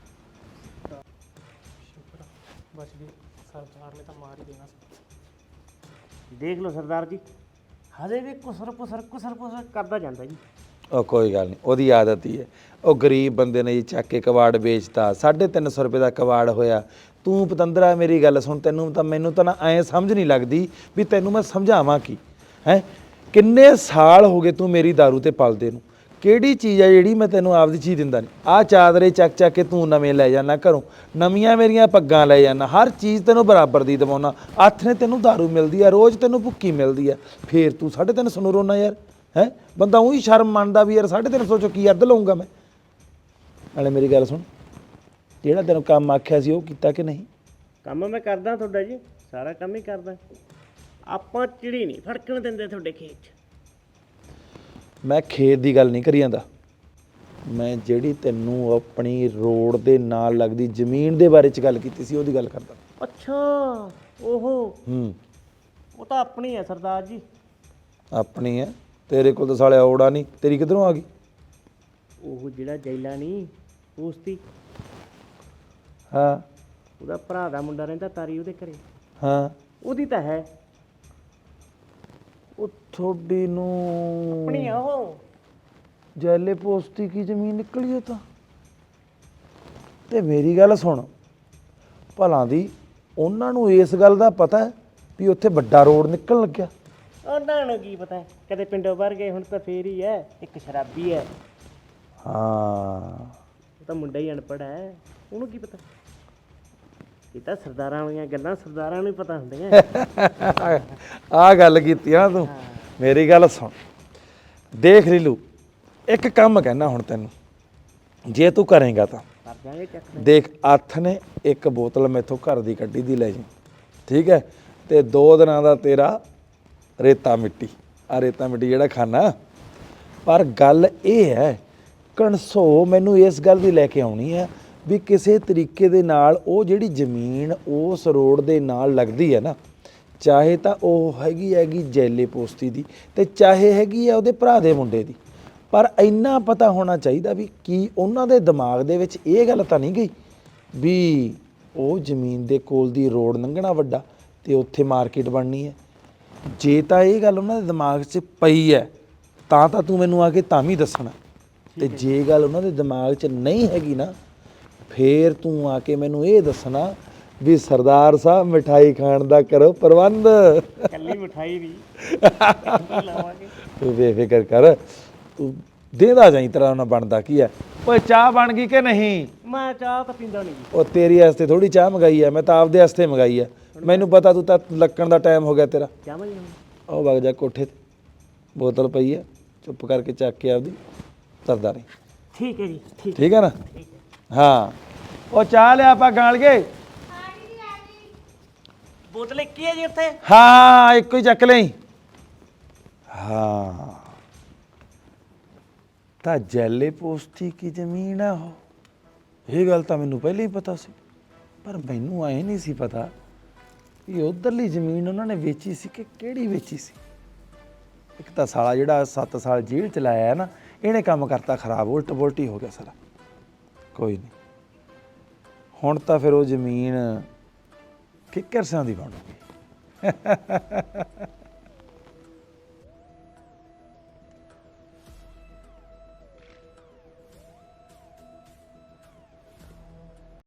Speaker 6: ਬਸ ਵੀ ਸਰਦਾਰ ਨੇ ਤਾਂ ਮਾਰ ਹੀ ਦੇਣਾ ਸੀ।
Speaker 5: ਦੇਖ ਲਓ ਸਰਦਾਰ ਜੀ, ਹਜੇ ਵੀ ਕੁਸਰ ਕਰਦਾ ਜਾਂਦਾ ਜੀ।
Speaker 7: ਉਹ ਕੋਈ ਗੱਲ ਨਹੀਂ, ਉਹਦੀ ਆਦਤ ਹੀ ਹੈ। ਉਹ ਗਰੀਬ ਬੰਦੇ ਨੇ ਜੀ ਚੱਕ ਕੇ ਕਬਾੜ ਵੇਚਤਾ, 350 ਰੁਪਏ ਦਾ ਕਬਾੜ ਹੋਇਆ। ਤੂੰ ਪਤੰਦਰਾ ਮੇਰੀ ਗੱਲ ਸੁਣ, ਤੈਨੂੰ ਤਾਂ ਮੈਨੂੰ ਤਾਂ ਨਾ ਐਂ ਸਮਝ ਨਹੀਂ ਲੱਗਦੀ ਵੀ ਤੈਨੂੰ ਮੈਂ ਸਮਝਾਵਾਂ ਕੀ ਹੈ। ਕਿੰਨੇ ਸਾਲ ਹੋ ਗਏ ਤੂੰ ਮੇਰੀ ਦਾਰੂ ਤੇ ਪਲਦੇ ਨੂੰ, ਕਿਹੜੀ ਚੀਜ਼ ਹੈ ਜਿਹੜੀ ਮੈਂ ਤੈਨੂੰ ਆਪਦੀ ਚੀਜ਼ ਦਿੰਦਾ ਨਹੀਂ? ਆਹ ਚਾਦਰੇ ਚੱਕ ਚੱਕ ਕੇ ਤੂੰ ਨਵੇਂ ਲੈ ਜਾਣਾ ਘਰੋਂ, ਨਵੀਆਂ ਮੇਰੀਆਂ ਪੱਗਾਂ ਲੈ ਜਾਣਾ, ਹਰ ਚੀਜ਼ ਤੈਨੂੰ ਬਰਾਬਰ ਦੀ ਦਵਾਉਣਾ। ਹੱਥ ਨੇ ਤੈਨੂੰ ਦਾਰੂ ਮਿਲਦੀ ਆ, ਰੋਜ਼ ਤੈਨੂੰ ਭੁੱਕੀ ਮਿਲਦੀ ਆ, ਫੇਰ ਤੂੰ 350 ਨੂੰ ਰੋਣਾ ਯਾਰ। ਹੈ ਬੰਦਾ ਉਹੀ ਸ਼ਰਮ ਮੰਨਦਾ ਵੀ ਯਾਰ 350 ਚੋਂ ਕੀ ਅੱਧ ਲਊਂਗਾ ਮੈਂ। ਨਾਲੇ ਮੇਰੀ ਗੱਲ ਸੁਣ, ਜਿਹੜਾ ਤੈਨੂੰ ਕੰਮ ਆਖਿਆ ਸੀ ਉਹ ਕੀਤਾ ਕਿ ਨਹੀਂ?
Speaker 5: ਕੰਮ ਮੈਂ ਕਰਦਾ ਤੁਹਾਡਾ ਜੀ, ਸਾਰਾ ਕੰਮ ਹੀ ਕਰਦਾ। ਆਪਾਂ ਚਿੜੀ ਨਹੀਂ ਫੜਕਣ ਦਿੰਦੇ ਤੁਹਾਡੇ ਖੇਤ 'ਚ।
Speaker 7: ਮੈਂ ਖੇਤ ਦੀ ਗੱਲ ਨਹੀਂ ਕਰੀ ਜਾਂਦਾ, ਮੈਂ ਜਿਹੜੀ ਤੈਨੂੰ ਆਪਣੀ ਰੋਡ ਦੇ ਨਾਲ ਲੱਗਦੀ ਜ਼ਮੀਨ ਦੇ ਬਾਰੇ 'ਚ ਗੱਲ ਕੀਤੀ ਸੀ ਉਹਦੀ ਗੱਲ ਕਰਦਾ।
Speaker 5: ਅੱਛਾ ਉਹ ਤਾਂ ਆਪਣੀ ਹੈ ਸਰਦਾਰ ਜੀ।
Speaker 7: ਆਪਣੀ ਹੈ? ਤੇਰੇ ਕੋਲ ਤਾਂ ਸਾਲਿਆ ਔੜਾ ਨਹੀਂ, ਤੇਰੀ ਕਿੱਧਰੋਂ ਆ ਗਈ?
Speaker 5: ਉਹ ਜਿਹੜਾ ਜੈਲਾ ਨਹੀਂ, ਪੋਸਤੀ
Speaker 7: ਹਾਂ
Speaker 5: ਉਹਦਾ ਭਰਾ ਦਾ ਮੁੰਡਾ ਰਹਿੰਦਾ ਤਾਰੀ ਉਹਦੇ ਘਰੇ,
Speaker 7: ਹਾਂ
Speaker 5: ਉਹਦੀ ਤਾਂ ਹੈ
Speaker 7: ਉਹ ਤੁਹਾਡੀ ਨੂੰ
Speaker 5: ਆਪਣੀ ਆ ਉਹ।
Speaker 7: ਜੈਲੇ ਪੋਸਤੀ ਕੀ ਜ਼ਮੀਨ ਨਿਕਲੀ ਉਹ ਤਾਂ। ਤੇ ਮੇਰੀ ਗੱਲ ਸੁਣ, ਭਲਾਂ ਦੀ ਉਹਨਾਂ ਨੂੰ ਇਸ ਗੱਲ ਦਾ ਪਤਾ ਹੈ ਵੀ ਉੱਥੇ ਵੱਡਾ ਰੋਡ ਨਿਕਲਣ ਲੱਗਿਆ?
Speaker 5: ਉਹਨਾਂ ਨੂੰ ਕੀ ਪਤਾ, ਕਦੇ ਪਿੰਡੋਂ ਬਾਹਰ ਗਏ ਹੁਣ ਤਾਂ ਫੇਰ ਹੀ ਹੈ। ਇੱਕ ਸ਼ਰਾਬੀ ਹੈ,
Speaker 7: ਹਾਂ
Speaker 5: ਉਹ ਤਾਂ ਮੁੰਡਾ ਹੀ ਅਨਪੜ੍ਹ ਹੈ, ਉਹਨੂੰ ਕੀ ਪਤਾ। ਇਹ ਤਾਂ ਸਰਦਾਰਾਂ ਵਾਲੀਆਂ ਗੱਲਾਂ ਸਰਦਾਰਾਂ ਨੂੰ ਹੀ ਪਤਾ ਹੁੰਦੀਆਂ।
Speaker 7: ਆ ਗੱਲ ਕੀਤੀ ਆ ਤੂੰ। ਮੇਰੀ ਗੱਲ ਸੁਣ, ਦੇਖ ਲੀਲੂ, ਇੱਕ ਕੰਮ ਕਹਿਣਾ ਹੁਣ ਤੈਨੂੰ, ਜੇ ਤੂੰ ਕਰੇਗਾ ਤਾਂ
Speaker 5: ਕਰ ਜਾਗੇ ਚੱਕ।
Speaker 7: ਦੇਖ, ਅੱਥ ਨੇ ਇੱਕ ਬੋਤਲ ਮੈਥੋਂ ਘਰ ਦੀ ਕੱਢੀ ਦੀ ਲੈ ਜੀ, ਠੀਕ ਹੈ? ਤੇ 2 ਦਿਨਾਂ ਦਾ ਤੇਰਾ ਰੇਤਾ ਮਿੱਟੀ, ਆ ਰੇਤਾ ਮਿੱਟੀ ਜਿਹੜਾ ਖਾਣਾ। ਪਰ ਗੱਲ ਇਹ ਹੈ, ਕਣਸੋ ਮੈਨੂੰ ਇਸ ਗੱਲ ਦੀ ਲੈ ਕੇ ਆਉਣੀ ਹੈ ਵੀ ਕਿਸੇ ਤਰੀਕੇ ਦੇ ਨਾਲ ਉਹ ਜਿਹੜੀ ਜ਼ਮੀਨ ਉਸ ਰੋਡ ਦੇ ਨਾਲ ਲੱਗਦੀ ਹੈ ਨਾ, ਚਾਹੇ ਤਾਂ ਉਹ ਹੈਗੀ ਜੈਲੇ ਪੋਸਤੀ ਦੀ ਤੇ ਚਾਹੇ ਹੈਗੀ ਆ ਉਹਦੇ ਭਰਾ ਦੇ ਮੁੰਡੇ ਦੀ, ਪਰ ਇੰਨਾ ਪਤਾ ਹੋਣਾ ਚਾਹੀਦਾ ਵੀ ਕੀ ਉਹਨਾਂ ਦੇ ਦਿਮਾਗ ਦੇ ਵਿੱਚ ਇਹ ਗੱਲ ਤਾਂ ਨਹੀਂ ਗਈ ਵੀ ਉਹ ਜ਼ਮੀਨ ਦੇ ਕੋਲ ਦੀ ਰੋਡ ਲੰਘਣਾ ਵੱਡਾ ਤੇ ਉੱਥੇ ਮਾਰਕੀਟ ਬਣਨੀ ਹੈ। ਜੇ ਤਾਂ ਇਹ ਗੱਲ ਉਹਨਾਂ ਦੇ ਦਿਮਾਗ 'ਚ ਪਈ ਹੈ ਤਾਂ ਤੂੰ ਮੈਨੂੰ ਆ ਕੇ ਤਾਂ ਵੀ ਦੱਸਣਾ, ਤੇ ਜੇ ਗੱਲ ਉਹਨਾਂ ਦੇ ਦਿਮਾਗ 'ਚ ਨਹੀਂ ਹੈਗੀ ਨਾ, ਫੇਰ ਤੂੰ ਆ ਕੇ ਮੈਨੂੰ ਇਹ ਦੱਸਣਾ ਵੀ ਸਰਦਾਰ ਸਾਹਿਬ ਮਿਠਾਈ ਖਾਣ ਦਾ ਕਰੋ ਪ੍ਰਬੰਧ।
Speaker 5: ਕੱਲੀ ਮਿਠਾਈ ਵੀ ਲਾਵਾਂਗੇ।
Speaker 7: ਤੂੰ ਬੇਫਿਕਰ ਕਰ, ਤੂੰ ਦੇਦਾ ਜਾਈ ਤਰ੍ਹਾਂ ਨਾਲ ਬਣਦਾ ਕੀ ਹੈ। ਓਏ ਚਾਹ ਬਣ ਗਈ ਕਿ ਨਹੀਂ?
Speaker 5: ਮੈਂ ਚਾਹ ਤਾਂ ਪੀਂਦਾ ਨਹੀਂ।
Speaker 7: ਉਹ ਤੇਰੀ ਵਾਸਤੇ ਥੋੜੀ ਚਾਹ ਮੰਗਾਈ ਹੈ, ਮੈਂ ਤਾਂ ਆਪਦੇ ਵਾਸਤੇ ਮੰਗਾਈ ਹੈ। ਮੈਨੂੰ ਪਤਾ ਤੂੰ ਤਾਂ ਲੱਕਣ ਦਾ ਟਾਈਮ ਹੋ ਗਿਆ ਤੇਰਾ।
Speaker 5: ਚਾਹ ਮੈਂ
Speaker 7: ਉਹ ਵਗ ਜਾ ਕੋਠੇ ਤੇ, ਬੋਤਲ ਪਈ ਹੈ, ਚੁੱਪ ਕਰਕੇ ਚੱਕ ਕੇ ਆਪਦੀ ਤਰਦਾ ਰਹੀ।
Speaker 5: ਠੀਕ ਹੈ ਜੀ, ਠੀਕ।
Speaker 7: ਠੀਕ ਹੈ ਨਾ? ਹਾਂ, ਉਹ ਚਾਹ ਲਿਆ ਆਪਾਂ ਗਾਲ ਗਏ।
Speaker 5: ਬੋਤਲ ਇੱਕ ਹੀ ਹੈ ਜੀ ਉੱਥੇ?
Speaker 7: ਹਾਂ, ਇੱਕੋ ਹੀ ਚੱਕ ਲਈ। ਹਾਂ, ਤਾਂ ਜੈਲੇ ਪੋਸਤੀ ਕੀ ਜ਼ਮੀਨ ਹੈ ਉਹ। ਇਹ ਗੱਲ ਤਾਂ ਮੈਨੂੰ ਪਹਿਲਾਂ ਹੀ ਪਤਾ ਸੀ, ਪਰ ਮੈਨੂੰ ਐ ਨਹੀਂ ਸੀ ਪਤਾ ਵੀ ਉਧਰਲੀ ਜ਼ਮੀਨ ਉਹਨਾਂ ਨੇ ਵੇਚੀ ਸੀ ਕਿ ਕਿਹੜੀ ਵੇਚੀ ਸੀ। ਇੱਕ ਤਾਂ ਸਾਲਾ ਜਿਹੜਾ 7 ਸਾਲ ਜੇਲ੍ਹ ਚ ਲਾਇਆ ਨਾ, ਇਹਨੇ ਕੰਮ ਕਰਤਾ ਖਰਾਬ, ਉਲਟ ਪੁਲਟ ਹੀ ਹੋ ਗਿਆ ਸਾਰਾ। ਕੋਈ ਨਹੀਂ, ਹੁਣ ਤਾਂ ਫਿਰ ਉਹ ਜ਼ਮੀਨ ਕਿੱਕਰ ਸਿਆਂ ਦੀ ਬਣੂਗੀ।